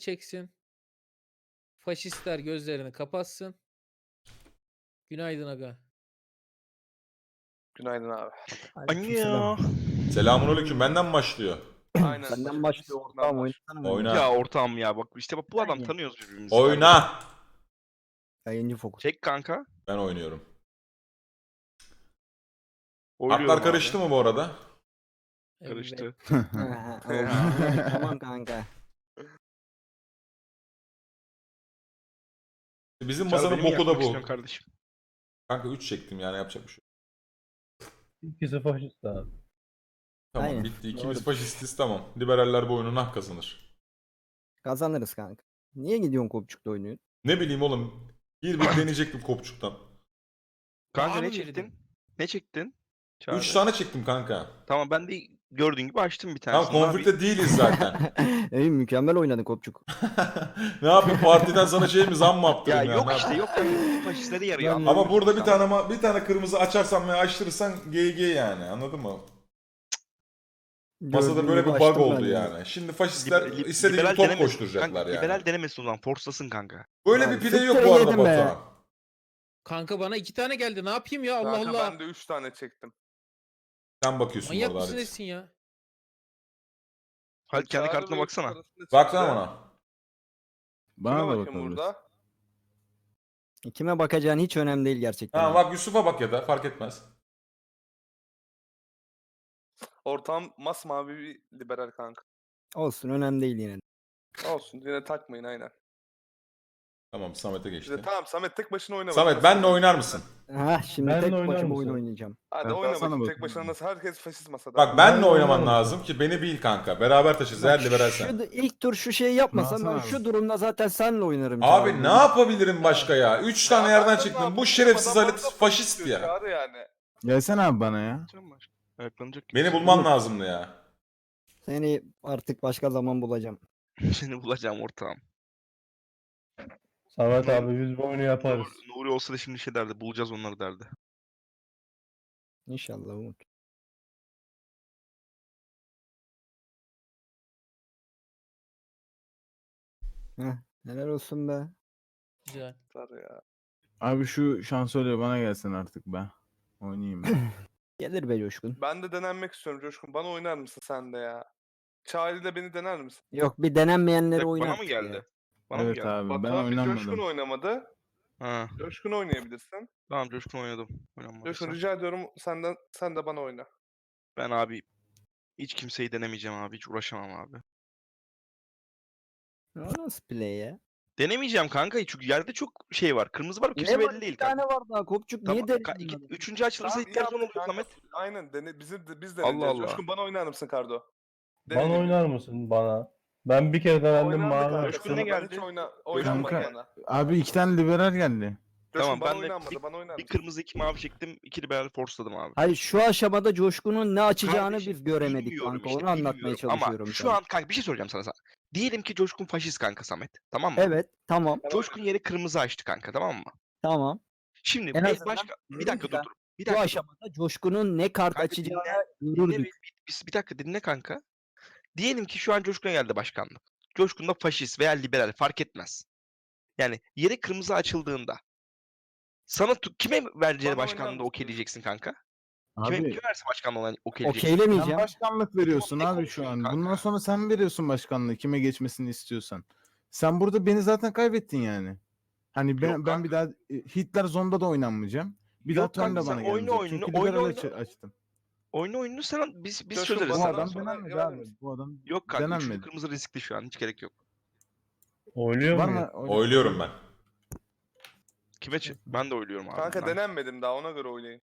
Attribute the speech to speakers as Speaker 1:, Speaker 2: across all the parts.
Speaker 1: çeksin. Faşistler gözlerini kapatsın. Günaydın aga.
Speaker 2: Günaydın abi.
Speaker 3: Alo.
Speaker 4: Selamünaleyküm. Benden mi başlıyor?
Speaker 2: Aynen.
Speaker 5: Senden başlıyor ortağım, oynasana.
Speaker 4: Oyna.
Speaker 3: Ya ortağım ya bak işte bak bu adam
Speaker 5: Yani.
Speaker 3: tanıyoruz birbirimizi. kardeşim.
Speaker 4: Oyna.
Speaker 5: Yayıncı fokus.
Speaker 3: Çek kanka.
Speaker 4: Ben oynuyorum.
Speaker 3: Oynuyorum
Speaker 4: Haklar
Speaker 3: abi.
Speaker 4: karıştı mı bu arada?
Speaker 3: Karıştı.
Speaker 5: Tamam kanka.
Speaker 4: Bizim
Speaker 3: Çağrı,
Speaker 4: masanın
Speaker 3: beni mi
Speaker 4: boku da
Speaker 3: yakmak
Speaker 4: bu.
Speaker 3: istiyorsun kardeşim?
Speaker 4: Kanka 3 çektim yani yapacak bir şey yok.
Speaker 6: İkisi faşist abi.
Speaker 4: Tamam
Speaker 5: Aynen.
Speaker 4: bitti.
Speaker 5: Doğru.
Speaker 4: İkimiz faşistiz tamam. Liberaller bu oyunun hak kazanır.
Speaker 5: Kazanırız kanka. Niye gidiyorsun kopçukta oynuyorsun?
Speaker 4: Ne bileyim oğlum. Bir deneyecektim kopçuktan.
Speaker 3: Kanka
Speaker 1: Daha
Speaker 3: ne
Speaker 1: mı
Speaker 3: çektin?
Speaker 1: girdin?
Speaker 3: Ne çektin? Çağrı.
Speaker 4: 3 tane çektim kanka.
Speaker 3: Tamam ben de gördüğün gibi açtım bir
Speaker 4: Tamam
Speaker 3: tanesini.
Speaker 4: konflikte değiliz zaten.
Speaker 5: Ey mükemmel oynadın kopçuk.
Speaker 4: Ne yapayım partiden sana şey mi zam mı
Speaker 3: Ya
Speaker 4: yaptırayım ya?
Speaker 3: yok
Speaker 4: Ne
Speaker 3: işte
Speaker 4: yapayım?
Speaker 3: yok yani faşistlere yarıyor.
Speaker 5: Ama
Speaker 4: Ama burada bir
Speaker 3: Tamam.
Speaker 4: tane kırmızı açarsan veya açtırırsan GG yani anladın mı? Masada
Speaker 5: Gördüğün
Speaker 4: böyle
Speaker 5: gibi
Speaker 4: bir bug
Speaker 5: açtım
Speaker 4: oldu
Speaker 5: ben de.
Speaker 4: yani. Şimdi faşistler istediği
Speaker 3: liberal
Speaker 4: gibi top
Speaker 3: denemesin.
Speaker 4: koşturacaklar
Speaker 3: Kanka,
Speaker 4: yani.
Speaker 3: liberal denemesin o zaman. Forslasın kanka.
Speaker 4: Böyle
Speaker 5: Ya
Speaker 4: bir pide yok
Speaker 5: sıktı
Speaker 4: bu arada
Speaker 5: yedim be.
Speaker 4: Batuhan.
Speaker 1: Kanka bana 2 tane geldi. Ne yapayım ya Allah
Speaker 2: Kanka
Speaker 1: Allah.
Speaker 2: ben de 3 tane çektim.
Speaker 4: Sen bakıyorsun
Speaker 1: Manyak
Speaker 4: orada
Speaker 1: mısın
Speaker 4: Halit.
Speaker 1: nesin ya?
Speaker 3: Hadi kendi
Speaker 2: Çağrı
Speaker 3: kartına
Speaker 2: ve
Speaker 3: baksana.
Speaker 2: Yusuf arasında
Speaker 4: Baksana
Speaker 2: çıktı.
Speaker 4: bana.
Speaker 2: Kime
Speaker 6: Bana da
Speaker 2: bakayım
Speaker 6: bakabiliriz.
Speaker 2: burada?
Speaker 5: Kime bakacağın hiç önemli değil gerçekten.
Speaker 4: Ha bak Yusuf'a bak ya da fark etmez.
Speaker 2: Ortam masmavi bir liberal kanka.
Speaker 5: Olsun, önemli değil yine.
Speaker 2: Olsun yine takmayın aynen.
Speaker 4: Tamam Samet'e geçti.
Speaker 2: İşte, tamam Samet tek başına oyna.
Speaker 4: Samet
Speaker 2: bakayım
Speaker 4: benle
Speaker 2: nasıl
Speaker 4: oynar mısın?
Speaker 5: Ha şimdi
Speaker 6: Benle
Speaker 5: tek
Speaker 6: oynar
Speaker 5: başıma
Speaker 6: mısın?
Speaker 5: oyun oynayacağım.
Speaker 2: Hadi
Speaker 6: Ben
Speaker 2: oyna
Speaker 6: sana
Speaker 2: bakayım tek
Speaker 6: bakayım
Speaker 2: başına
Speaker 6: abi.
Speaker 2: nasıl herkes faşist masada.
Speaker 4: Bak benle
Speaker 6: Ben
Speaker 4: oynaman
Speaker 6: oynarım.
Speaker 4: lazım ki beni bil kanka. Beraber taşırız her liberal sen.
Speaker 5: ilk tur şu şeyi yapmasam ben
Speaker 6: Hasan
Speaker 5: şu
Speaker 6: abi.
Speaker 5: durumda zaten senle oynarım.
Speaker 4: Abi
Speaker 5: Çağrı.
Speaker 4: ne yapabilirim başka ya? 3 tane
Speaker 2: Ya
Speaker 4: yerden
Speaker 2: ben de ne
Speaker 4: çıktım. Bu
Speaker 2: yapayım?
Speaker 4: şerefsiz
Speaker 2: Adam
Speaker 4: Halit
Speaker 2: orada
Speaker 4: faşist
Speaker 2: diyor,
Speaker 4: ya.
Speaker 2: Çağrı yani.
Speaker 6: Gelsene abi bana ya.
Speaker 3: Can var. Ayaklanacak gibi.
Speaker 4: Beni bulman lazımdı ya.
Speaker 5: Seni artık başka zaman bulacağım.
Speaker 3: Seni bulacağım ortağım.
Speaker 6: Samet
Speaker 3: Nuri-
Speaker 6: abi biz bu oyunu yaparız.
Speaker 3: Nuri olsa da şimdi şey derdi. Bulacağız onları derdi.
Speaker 5: İnşallah Umut. Heh, helal olsun be.
Speaker 1: Güzel.
Speaker 2: Çağrı ya.
Speaker 6: Abi şu şansölye bana gelsin artık be. Oynayayım ben.
Speaker 5: Gelir be Coşkun.
Speaker 2: Ben de denenmek istiyorum Coşkun. Bana oynar mısın sen de ya? Çağrı ile beni dener misin?
Speaker 5: Yok, bir denenmeyenleri
Speaker 3: Bana
Speaker 5: oynar.
Speaker 3: mı geldi? Bana mı
Speaker 6: Evet
Speaker 3: geldi?
Speaker 6: abi ben
Speaker 2: Batuhan bir Coşkun
Speaker 6: oynamadım.
Speaker 2: oynamadı.
Speaker 3: Ha.
Speaker 2: Coşkun oynayabilirsin.
Speaker 3: Tamam Coşkun oynadım. Oynanmadıysa.
Speaker 2: Coşkun rica ediyorum sen de bana oyna.
Speaker 3: Ben abi hiç kimseyi denemeyeceğim abi. Hiç uğraşamam abi.
Speaker 5: O nasıl play ya?
Speaker 3: Denemeyeceğim kanka çünkü yerde çok şey var. Kırmızı var, kimse
Speaker 5: Ne var?
Speaker 3: belli değil
Speaker 5: Bir tane
Speaker 3: kanka.
Speaker 5: var daha kopçuk.
Speaker 3: Tamam,
Speaker 5: Niye denedin?
Speaker 3: üçüncü açılırsa
Speaker 2: Tamam, iyi
Speaker 3: ilk son
Speaker 2: yaptık
Speaker 3: oluyor
Speaker 2: kanka.
Speaker 3: Samet.
Speaker 2: Aynen biz
Speaker 3: Allah
Speaker 2: deneyeceğiz.
Speaker 3: Allah.
Speaker 2: Coşkun bana oynar mısın Kardo?
Speaker 6: Bana
Speaker 2: Deneyelim.
Speaker 6: oynar mısın bana? Ben bir kere denendim
Speaker 2: Oynandı
Speaker 6: mavi
Speaker 2: kanka,
Speaker 3: Coşkun
Speaker 2: sana
Speaker 3: ne
Speaker 6: açtım.
Speaker 2: ben hiç
Speaker 3: geldi?
Speaker 2: oynanmadı
Speaker 6: Kanka,
Speaker 2: bana.
Speaker 6: Abi 2 tane liberal geldi.
Speaker 2: Coşkun
Speaker 3: Tamam,
Speaker 2: bana
Speaker 3: ben de
Speaker 2: oynanmadı bana oynar
Speaker 3: Bir
Speaker 2: mısın?
Speaker 3: kırmızı iki mavi çektim. İki liberal forsladım abi.
Speaker 5: Hayır, şu aşamada Coşkun'un ne açacağını
Speaker 3: Kardeşim,
Speaker 5: biz göremedik
Speaker 3: bilmiyorum
Speaker 5: kanka.
Speaker 3: işte,
Speaker 5: Onu anlatmaya
Speaker 3: bilmiyorum.
Speaker 5: çalışıyorum
Speaker 3: Ama şu
Speaker 5: sana.
Speaker 3: an kanka bir şey soracağım sana. Diyelim ki Coşkun faşist kanka Samet. Tamam mı?
Speaker 5: Evet, tamam.
Speaker 3: Coşkun yeri kırmızı açtı kanka, tamam mı?
Speaker 5: Tamam.
Speaker 3: Şimdi
Speaker 5: En azından
Speaker 3: başka bir
Speaker 5: dedim
Speaker 3: dakika
Speaker 5: ki ben,
Speaker 3: dur. Bir
Speaker 5: Bu
Speaker 3: dakika.
Speaker 5: aşamada Coşkun'un ne kart
Speaker 3: Kanka
Speaker 5: açacağını
Speaker 3: dinle
Speaker 5: görürdük.
Speaker 3: bir dakika dinle kanka. Diyelim ki şu an Coşkun'a geldi başkanlık. Coşkun da faşist veya liberal fark etmez. Yani yeri kırmızı açıldığında sana kime vereceğini
Speaker 2: Bana
Speaker 3: başkanlığında
Speaker 2: oynar mısın?
Speaker 3: okeyleyeceksin kanka? Kime
Speaker 6: Abi
Speaker 3: verse başkanlığı olan okeyleyeceksin?
Speaker 6: sen
Speaker 5: Okeylemeyeceğim.
Speaker 6: başkanlık veriyorsun
Speaker 3: Ne
Speaker 6: abi şu
Speaker 3: konuşuyorsun
Speaker 6: an.
Speaker 3: kanka?
Speaker 6: Bundan sonra sen veriyorsun başkanlığı kime geçmesini istiyorsan. Sen burada beni zaten kaybettin yani. Hani ben,
Speaker 3: Yok
Speaker 6: ben bir daha Hitler Zonda da oynanmayacağım. Bir
Speaker 3: Yok
Speaker 6: daha turn
Speaker 3: kanka,
Speaker 6: da bana
Speaker 3: sen oyna
Speaker 6: gelmeyecek.
Speaker 3: oyununu,
Speaker 6: Çünkü
Speaker 3: oyna
Speaker 6: liberal
Speaker 3: oyununu.
Speaker 6: açtım.
Speaker 3: Oyunu sen biz
Speaker 2: Coşkun,
Speaker 3: çözeriz.
Speaker 6: Bu
Speaker 2: bana
Speaker 3: Sana.
Speaker 6: adam
Speaker 2: sonra
Speaker 6: denenmedi
Speaker 2: verir
Speaker 6: abi.
Speaker 2: misin?
Speaker 6: Bu adam
Speaker 3: Yok kanka üçlü
Speaker 6: denenmedi.
Speaker 3: kırmızı riskli şu an, hiç gerek yok.
Speaker 6: Oynuyor Var muyum? mı?
Speaker 4: Oyluyorum ben.
Speaker 3: Ben de oyluyorum abi.
Speaker 2: Kanka
Speaker 3: Ben-
Speaker 2: denenmedim daha ona göre oynayın.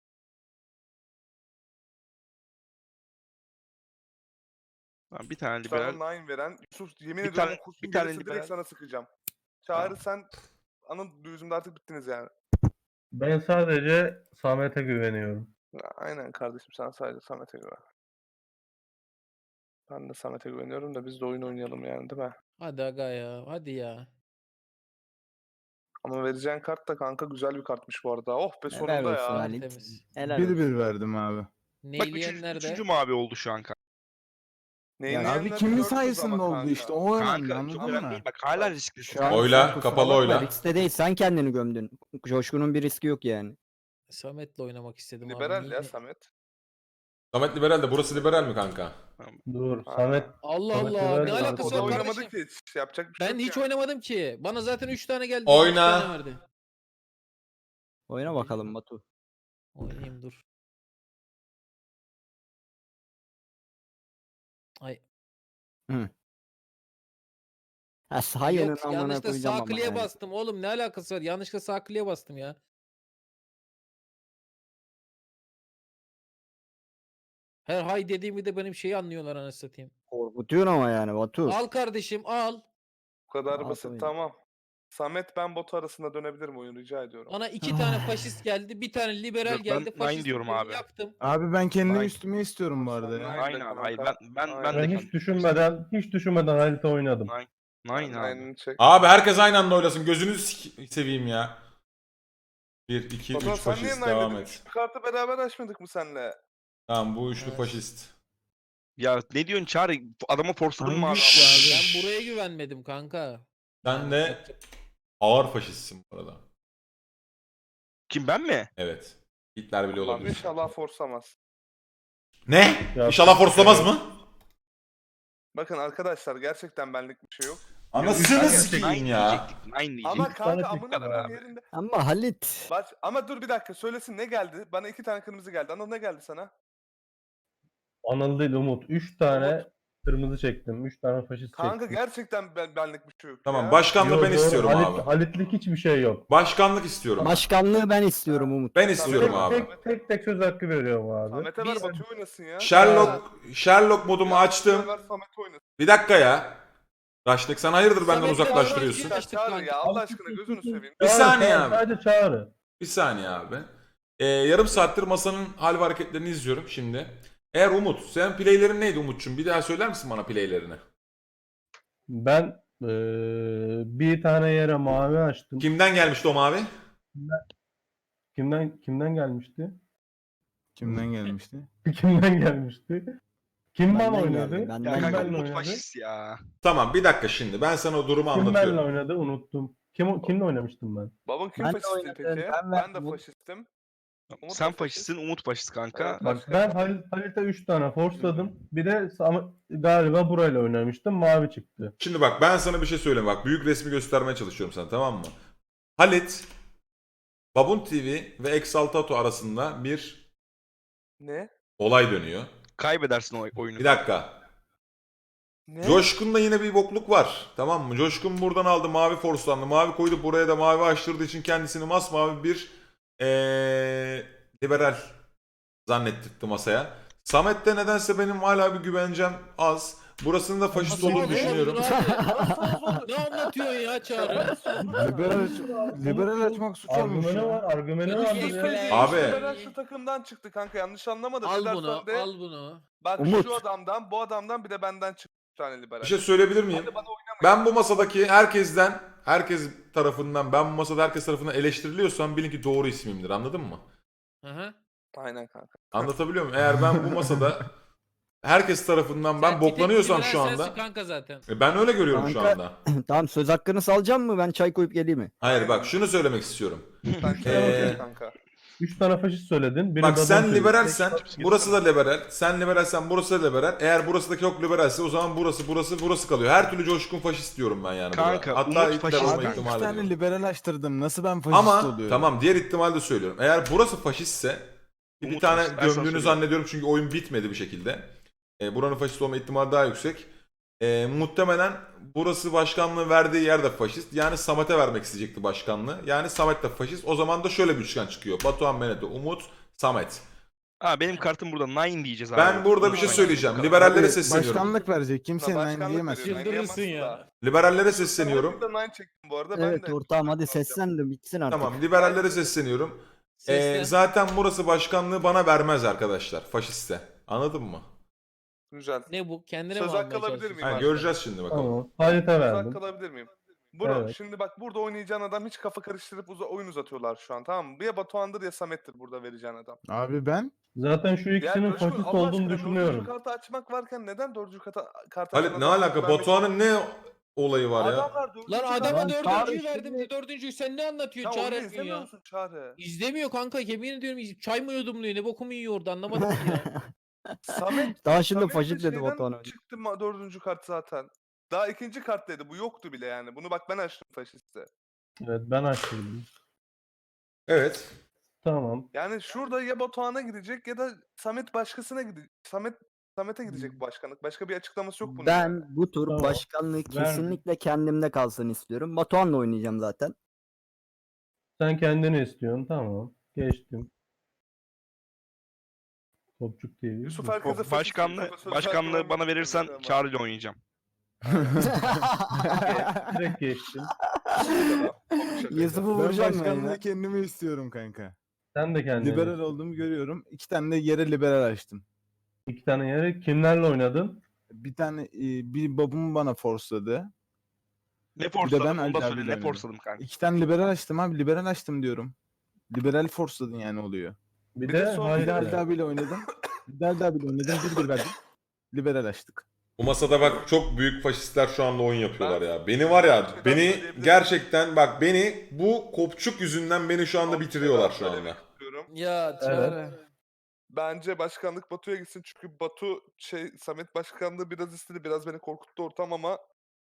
Speaker 3: Ben bir tane
Speaker 2: Sana
Speaker 3: liberal.
Speaker 2: nine veren Yusuf yemin
Speaker 3: Bir
Speaker 2: ediyorum
Speaker 3: tane-
Speaker 2: kurşun
Speaker 3: bir tane
Speaker 2: gelirse
Speaker 3: liberal.
Speaker 2: direkt sana sıkacağım. Çağrı sen anın düzümde artık bittiniz yani.
Speaker 6: Ben sadece Samet'e güveniyorum.
Speaker 2: Ya, aynen kardeşim sen sadece Samet'e güven. Ben de Samet'e güveniyorum da biz de oyun oynayalım yani değil mi?
Speaker 1: Hadi aga ya. Hadi ya.
Speaker 2: Ama vereceğin kart da kanka güzel bir kartmış bu arada. Oh be
Speaker 5: Helal
Speaker 2: sonunda
Speaker 5: olsun
Speaker 2: ya.
Speaker 5: Halit.
Speaker 1: Temiz.
Speaker 5: Helal
Speaker 6: Bir
Speaker 5: olsun.
Speaker 6: bir verdim abi.
Speaker 3: Bak
Speaker 1: Neyleyen nerede?
Speaker 3: üçüncü mavi oldu şu an kanka.
Speaker 2: Neyin
Speaker 5: Yani
Speaker 6: Abi
Speaker 2: neyenleri
Speaker 6: kimin
Speaker 2: gördünüz
Speaker 6: sayesinde
Speaker 2: ama
Speaker 6: oldu
Speaker 2: kanka.
Speaker 6: işte o önemli
Speaker 3: Kanka çok
Speaker 6: anladın
Speaker 3: önemli
Speaker 6: mı?
Speaker 3: değil. Bak hala risklisin.
Speaker 5: Şu an
Speaker 4: Oyla,
Speaker 5: sen kusura
Speaker 4: kapalı
Speaker 5: bakma,
Speaker 4: oyla.
Speaker 5: riskte değil, sen kendini gömdün. Coşkun'un bir riski yok yani.
Speaker 1: Samet'le oynamak istedim abi.
Speaker 2: Liberal
Speaker 1: niye-
Speaker 2: ya Samet.
Speaker 4: Samet liberal de burası liberal mi kanka?
Speaker 7: Dur
Speaker 2: Ha.
Speaker 7: Samet.
Speaker 1: Allah
Speaker 7: Samet'le
Speaker 1: Allah,
Speaker 7: ver
Speaker 1: ne
Speaker 7: de
Speaker 2: O
Speaker 1: alakası
Speaker 2: da
Speaker 1: var
Speaker 2: oynamadı
Speaker 1: kardeşim?
Speaker 2: ki hiç. Yapacak bir şey
Speaker 1: Ben
Speaker 2: yok
Speaker 1: hiç
Speaker 2: yani.
Speaker 1: oynamadım ki. Bana zaten 3 tane geldi.
Speaker 4: Oyna.
Speaker 1: 3 tane verdi.
Speaker 5: Oyna bakalım Batu.
Speaker 1: Oynayayım dur. Ay.
Speaker 5: Ha sayının
Speaker 1: Yok,
Speaker 5: amına
Speaker 1: yanlışlıkla
Speaker 5: koyacağım
Speaker 1: sağ
Speaker 5: ama
Speaker 1: kliğe
Speaker 5: yani.
Speaker 1: bastım oğlum. Ne alakası var? Yanlışlıkla sağ kliğe bastım ya. Her hay dediğimi de benim şeyi anlıyorlar anasını satayım.
Speaker 5: Korkutuyorsun ama yani Batu.
Speaker 1: Al kardeşim al.
Speaker 2: Bu kadar
Speaker 5: Rahat
Speaker 2: basit
Speaker 5: oyna.
Speaker 2: tamam. Samet ben botu arasında dönebilirim oyun rica ediyorum.
Speaker 1: Bana 2 tane faşist geldi. Bir tane liberal
Speaker 3: Yok, ben
Speaker 1: geldi.
Speaker 3: nine
Speaker 1: Faşist
Speaker 3: diyorum
Speaker 1: birini
Speaker 3: abi.
Speaker 1: Yaktım.
Speaker 6: Abi ben kendi
Speaker 3: Nine.
Speaker 6: üstüme istiyorum bu arada ya.
Speaker 2: Nine.
Speaker 3: Aynen abi. Hayır ben
Speaker 2: Aynen.
Speaker 3: de
Speaker 7: Ben hiç düşünmeden harita oynadım.
Speaker 3: Nine abi.
Speaker 2: Aynen çek.
Speaker 4: Abi herkes aynı anda oylasın. Gözünü seveyim ya. 1, 2,
Speaker 2: Batuhan
Speaker 4: 3
Speaker 2: sen niye
Speaker 4: faşist
Speaker 2: nine
Speaker 4: devam
Speaker 2: dedin?
Speaker 4: et.
Speaker 2: Şu kartı beraber açmadık mı senle?
Speaker 4: Tamam bu üçlü
Speaker 1: Evet.
Speaker 4: faşist.
Speaker 3: Ya ne diyorsun Çağrı? Adama forsadın mı abi?
Speaker 6: Hangi üç ya abi?
Speaker 1: Ben buraya güvenmedim kanka.
Speaker 4: Sen de ağır faşistsin bu arada.
Speaker 3: Kim ben mi?
Speaker 4: Evet. Hitler bile
Speaker 2: Ulan
Speaker 4: olabilir.
Speaker 2: inşallah forsamaz.
Speaker 4: Ne?
Speaker 7: Ya-
Speaker 4: İnşallah forslamaz mı?
Speaker 2: Bakın arkadaşlar gerçekten benlik bir şey yok.
Speaker 4: Anasını
Speaker 2: Nine
Speaker 4: sikeyim ya.
Speaker 3: diyecektik. Nine diyecektik.
Speaker 2: Ama
Speaker 7: İki tane
Speaker 2: kanka
Speaker 7: çıktı
Speaker 2: amına
Speaker 3: abi.
Speaker 2: koyayım yerinde.
Speaker 5: Ama Halit.
Speaker 2: Ama dur bir dakika söylesin ne geldi? Bana 2 tane kırmızı geldi. Anıl ne geldi sana?
Speaker 7: Anıl değil Umut. 3 tane kırmızı çektim. 3 tane faşist
Speaker 2: Kanka
Speaker 7: çektim.
Speaker 2: gerçekten benlik bir şey yok
Speaker 4: Tamam
Speaker 2: ya.
Speaker 4: başkanlığı
Speaker 7: Yo,
Speaker 4: ben
Speaker 7: doğru.
Speaker 4: istiyorum abi.
Speaker 7: Halitlik hiçbir şey yok.
Speaker 4: Başkanlık istiyorum.
Speaker 5: Başkanlığı ben istiyorum Umut.
Speaker 4: Ben istiyorum
Speaker 2: Tek-
Speaker 4: abi.
Speaker 7: Tek söz hakkı veriyorum abi.
Speaker 2: Samet'e ver
Speaker 1: Biz-
Speaker 2: Batu'yu oynasın ya.
Speaker 4: Sherlock modumu açtım.
Speaker 2: Ver Samet oynasın.
Speaker 4: Bir dakika ya. Raşnik sen hayırdır benden
Speaker 1: Samet'le
Speaker 4: uzaklaştırıyorsun.
Speaker 1: oynamak
Speaker 2: Ya Çağrı ya Allah aşkına gözünü seveyim.
Speaker 4: Bir saniye abi.
Speaker 7: Sadece Çağrı.
Speaker 4: Bir saniye abi. Yarım saattir masanın hal ve hareketlerini izliyorum şimdi. Eğer Umut, sen playlerin neydi Umut'cum? Bir daha söyler misin bana playlerini?
Speaker 7: Ben bir tane yere mavi açtım.
Speaker 4: Kimden gelmişti o mavi?
Speaker 7: Kimden gelmişti?
Speaker 6: Kimden gelmişti?
Speaker 7: Kimden gelmişti? Kim ben
Speaker 5: Benden
Speaker 7: oynadı?
Speaker 5: geldi, benden
Speaker 3: Ya kanka
Speaker 5: geldi.
Speaker 7: benle
Speaker 3: Umut
Speaker 7: oynadı?
Speaker 3: faşist ya.
Speaker 4: Tamam bir dakika şimdi ben sana o durumu
Speaker 7: Kim benle
Speaker 4: anlatıyorum.
Speaker 7: oynadı? Unuttum. Kimle oynamıştım ben?
Speaker 2: Babam kim
Speaker 5: Ben de
Speaker 2: faşistti
Speaker 5: oynadım,
Speaker 2: peki?
Speaker 5: ben
Speaker 2: Ben de
Speaker 5: verdim.
Speaker 2: faşistim. Umut
Speaker 3: Sen
Speaker 2: da faşist.
Speaker 3: faşistsin, Umut faşist kanka.
Speaker 2: Evet.
Speaker 7: Bak ben Halit'e 3 tane forsladım. Bir de galiba burayla oynamıştım. Mavi çıktı.
Speaker 4: Şimdi bak ben sana bir şey söyleyeyim. Bak büyük resmi göstermeye çalışıyorum sana tamam mı? Halit, Babun TV ve Exaltato arasında bir
Speaker 2: Ne?
Speaker 4: olay dönüyor.
Speaker 3: Kaybedersin oyunu.
Speaker 4: Bir dakika.
Speaker 2: Ne?
Speaker 4: Coşkun'da yine bir bokluk var. Tamam mı? Coşkun buradan aldı mavi forslandı. Mavi koydu buraya da mavi açtırdığı için kendisini masmavi bir liberal zannettirdi masaya. Samet'te nedense benim hala bir güvencem az. Burasının da faşist
Speaker 1: Nasıl
Speaker 4: olduğunu
Speaker 1: oldu
Speaker 4: düşünüyorum.
Speaker 1: abi? Ne anlatıyorsun ya Çağrı?
Speaker 6: Liberal açmak suç olmuş
Speaker 7: Argümanı
Speaker 6: ya.
Speaker 7: var. Argümanı
Speaker 1: Yok,
Speaker 7: vardır
Speaker 1: yok,
Speaker 7: ya.
Speaker 1: yok.
Speaker 4: Abi.
Speaker 2: Ben şu takımdan çıktı kanka yanlış anlamadım.
Speaker 1: Al
Speaker 2: Neden
Speaker 1: bunu,
Speaker 2: sonra de-
Speaker 1: al bunu.
Speaker 2: Bak
Speaker 5: Umut.
Speaker 2: şu adamdan, bu adamdan bir de benden çıktı bir tane liberal.
Speaker 4: Bir şey söyleyebilir miyim?
Speaker 2: Hadi bana oynamayın.
Speaker 4: Ben bu masadaki herkes tarafından, ben bu masada herkes tarafından eleştiriliyorsam bilin ki doğru ismimdir. Anladın mı?
Speaker 1: Aha.
Speaker 2: Aynen kanka.
Speaker 4: Anlatabiliyor muyum? Eğer ben bu masada herkes tarafından ben
Speaker 1: Sen bir tek
Speaker 4: boklanıyorsam
Speaker 1: liberal
Speaker 4: şu anda
Speaker 1: sensin kanka zaten.
Speaker 4: ben öyle görüyorum şu
Speaker 5: Kanka-
Speaker 4: anda.
Speaker 5: Tamam, söz hakkını salacağım mı? Ben çay koyup geleyim mi?
Speaker 4: Hayır bak şunu söylemek istiyorum.
Speaker 2: Sen
Speaker 4: Ee,
Speaker 2: kanka.
Speaker 7: 3 tane faşist söyledin. Biri
Speaker 4: Bak
Speaker 7: Babun
Speaker 4: sen
Speaker 7: TV.
Speaker 4: liberalsen burası da liberal. Sen liberalsen burası da liberal. Eğer burasıdaki yok liberalse o zaman burası kalıyor. Her türlü Coşkun faşist diyorum ben yani.
Speaker 3: Kanka,
Speaker 4: burada. Hatta
Speaker 3: Umut
Speaker 4: Hitler
Speaker 3: faşist
Speaker 4: olma
Speaker 5: Abi,
Speaker 3: kanka.
Speaker 6: İki
Speaker 4: ihtimali
Speaker 6: tane
Speaker 4: diyorum.
Speaker 6: liberal açtırdım. Nasıl ben faşist
Speaker 4: Ama
Speaker 6: oluyorum?
Speaker 4: tamam diğer ihtimali de söylüyorum. Eğer burası faşistse bir
Speaker 3: Umut
Speaker 4: tane
Speaker 3: faşist, ben sana
Speaker 4: gömdüğünü
Speaker 3: söyleyeyim.
Speaker 4: zannediyorum çünkü oyun bitmedi bir şekilde. Buranın faşist olma ihtimali daha yüksek. Muhtemelen burası başkanlığı verdiği yer de faşist. Yani Samet'e vermek isteyecekti başkanlığı. Yani Samet de faşist. O zaman da şöyle bir üçgen çıkıyor. Batuhan Meneto, Umut, Samet.
Speaker 3: Ha benim kartım burada nine diyeceğiz abi.
Speaker 4: Ben burada bir şey söyleyeceğim. Liberallere
Speaker 6: Abi,
Speaker 4: sesleniyorum.
Speaker 6: başkanlık verecek. Kimse
Speaker 2: Başkanlık
Speaker 6: nine diyemez.
Speaker 2: veriyor, nine
Speaker 1: Çıldırırsın
Speaker 2: diyemezsin
Speaker 1: ya.
Speaker 2: da.
Speaker 4: Liberallere sesleniyorum.
Speaker 2: Ben de nine çektim bu arada.
Speaker 5: Evet
Speaker 2: ben de.
Speaker 5: ortağım, hadi seslen de bitsin artık.
Speaker 4: Tamam, liberallere sesleniyorum.
Speaker 1: Seslen.
Speaker 4: Zaten burası başkanlığı bana vermez arkadaşlar. Faşiste. Anladın mı?
Speaker 2: Güzel.
Speaker 1: Ne bu? Kendine
Speaker 2: Söz
Speaker 1: mi
Speaker 2: hakkı
Speaker 1: almaya
Speaker 2: alabilir
Speaker 1: çalışıyorsun?
Speaker 2: miyim?
Speaker 4: Ha, göreceğiz şimdi bakalım.
Speaker 7: Tamam. Harit'e
Speaker 2: Söz
Speaker 7: verdim.
Speaker 2: hakkı alabilir miyim? Bro
Speaker 7: Evet.
Speaker 2: şimdi bak burada oynayacağın adam hiç kafa karıştırıp oyun uzatıyorlar şu an, tamam mı? Ya Batuhan'dır ya Samet'tir burada vereceğin adam.
Speaker 6: Abi ben
Speaker 7: Zaten şu
Speaker 2: Ya
Speaker 7: ikisinin
Speaker 2: Coşkun,
Speaker 7: faşist
Speaker 2: Allah
Speaker 7: olduğunu
Speaker 2: aşkına
Speaker 7: düşünüyorum.
Speaker 2: dördüncü kartı açmak varken neden dördüncü kartı
Speaker 4: Halit
Speaker 2: açan
Speaker 4: ne
Speaker 2: adamlara
Speaker 4: alaka?
Speaker 2: vermek
Speaker 4: Batuhan'ın ne olayı var ya?
Speaker 2: Adamlar dördüncü
Speaker 1: Lan
Speaker 2: kartı
Speaker 1: adama
Speaker 7: Lan Çağrı
Speaker 1: dördüncüyü verdim
Speaker 7: şimdi-
Speaker 1: de dördüncüyü sen ne anlatıyorsun?
Speaker 2: Sen onu
Speaker 1: Çağrı
Speaker 2: da
Speaker 1: etmiyor
Speaker 2: izlemiyor
Speaker 1: ya.
Speaker 2: musun Çağrı?
Speaker 1: İzlemiyor kanka, yemin ediyorum çay mı yudumluyor, ne bokumu yiyor orada, anlamadım ki ya.
Speaker 2: Samet
Speaker 5: Daha şimdi
Speaker 2: Samet de
Speaker 5: faşist dedi
Speaker 2: şeyden
Speaker 5: Batuhan önce.
Speaker 2: çıktı dördüncü kart zaten. Daha ikinci kart dedi. Bu yoktu bile yani. Bunu bak ben açtım faşiste.
Speaker 7: Evet ben açtım.
Speaker 4: Evet.
Speaker 7: Tamam.
Speaker 2: Yani şurada ya Batuhan'a gidecek ya da Samet başkasına gidecek. Samet'e gidecek bu başkanlık. Başka bir açıklaması yok bunun yani.
Speaker 5: Ben bu tur
Speaker 7: Tamam.
Speaker 5: başkanlığı
Speaker 7: Verdim.
Speaker 5: kesinlikle kendimde kalsın istiyorum. Batuhan'la oynayacağım zaten.
Speaker 7: Sen kendini istiyorsun. Tamam. Geçtim. Topçuk TV.
Speaker 2: Yusuf
Speaker 7: Dur.
Speaker 2: herkese faşist
Speaker 3: Başkanlığı,
Speaker 2: Yusuf'a söz
Speaker 3: başkanlığı
Speaker 2: vermem
Speaker 3: bana verirsen
Speaker 2: gerekiyor ama.
Speaker 3: Çağrı'yla oynayacağım.
Speaker 7: Direkt geçtim.
Speaker 5: Yusuf'u
Speaker 6: ben
Speaker 5: vuracağım ben
Speaker 6: başkanlığı
Speaker 5: ya.
Speaker 6: kendime istiyorum kanka.
Speaker 7: Sen de kendini.
Speaker 6: Liberal olduğumu görüyorum. 2 tane de yere liberal açtım.
Speaker 7: 2 tane yere kimlerle oynadın?
Speaker 6: Bir tane bir babam bana forsladı.
Speaker 3: Ne
Speaker 6: ben
Speaker 3: forsladım onu
Speaker 6: Ali
Speaker 3: da
Speaker 6: abiyle
Speaker 3: söyle. Ne
Speaker 6: oynadım.
Speaker 3: forsladım kanka.
Speaker 6: 2 tane liberal açtım abi. Liberal açtım diyorum. Liberal forsladın yani oluyor.
Speaker 7: Bir
Speaker 2: Bir
Speaker 7: de
Speaker 2: de son
Speaker 7: Haydi
Speaker 2: bir de
Speaker 6: Halide abiyle oynadım. Halide abiyle oynadım. 1-1 verdim. Liberal açtık.
Speaker 4: Bu masada bak çok büyük faşistler şu anda oyun yapıyorlar
Speaker 2: Ben-
Speaker 4: ya. Beni var ya,
Speaker 2: Şeyden
Speaker 4: beni
Speaker 2: söyleyebilirim.
Speaker 4: gerçekten bak beni bu kopçuk yüzünden beni şu anda
Speaker 2: Son bir
Speaker 4: bitiriyorlar
Speaker 2: şey
Speaker 4: şu
Speaker 2: daha
Speaker 4: anda.
Speaker 2: söylemek istiyorum.
Speaker 1: Ya Çağrı.
Speaker 2: Bence başkanlık Batu'ya gitsin çünkü Batu Samet başkanlığı biraz istedi. Biraz beni korkuttu ortam ama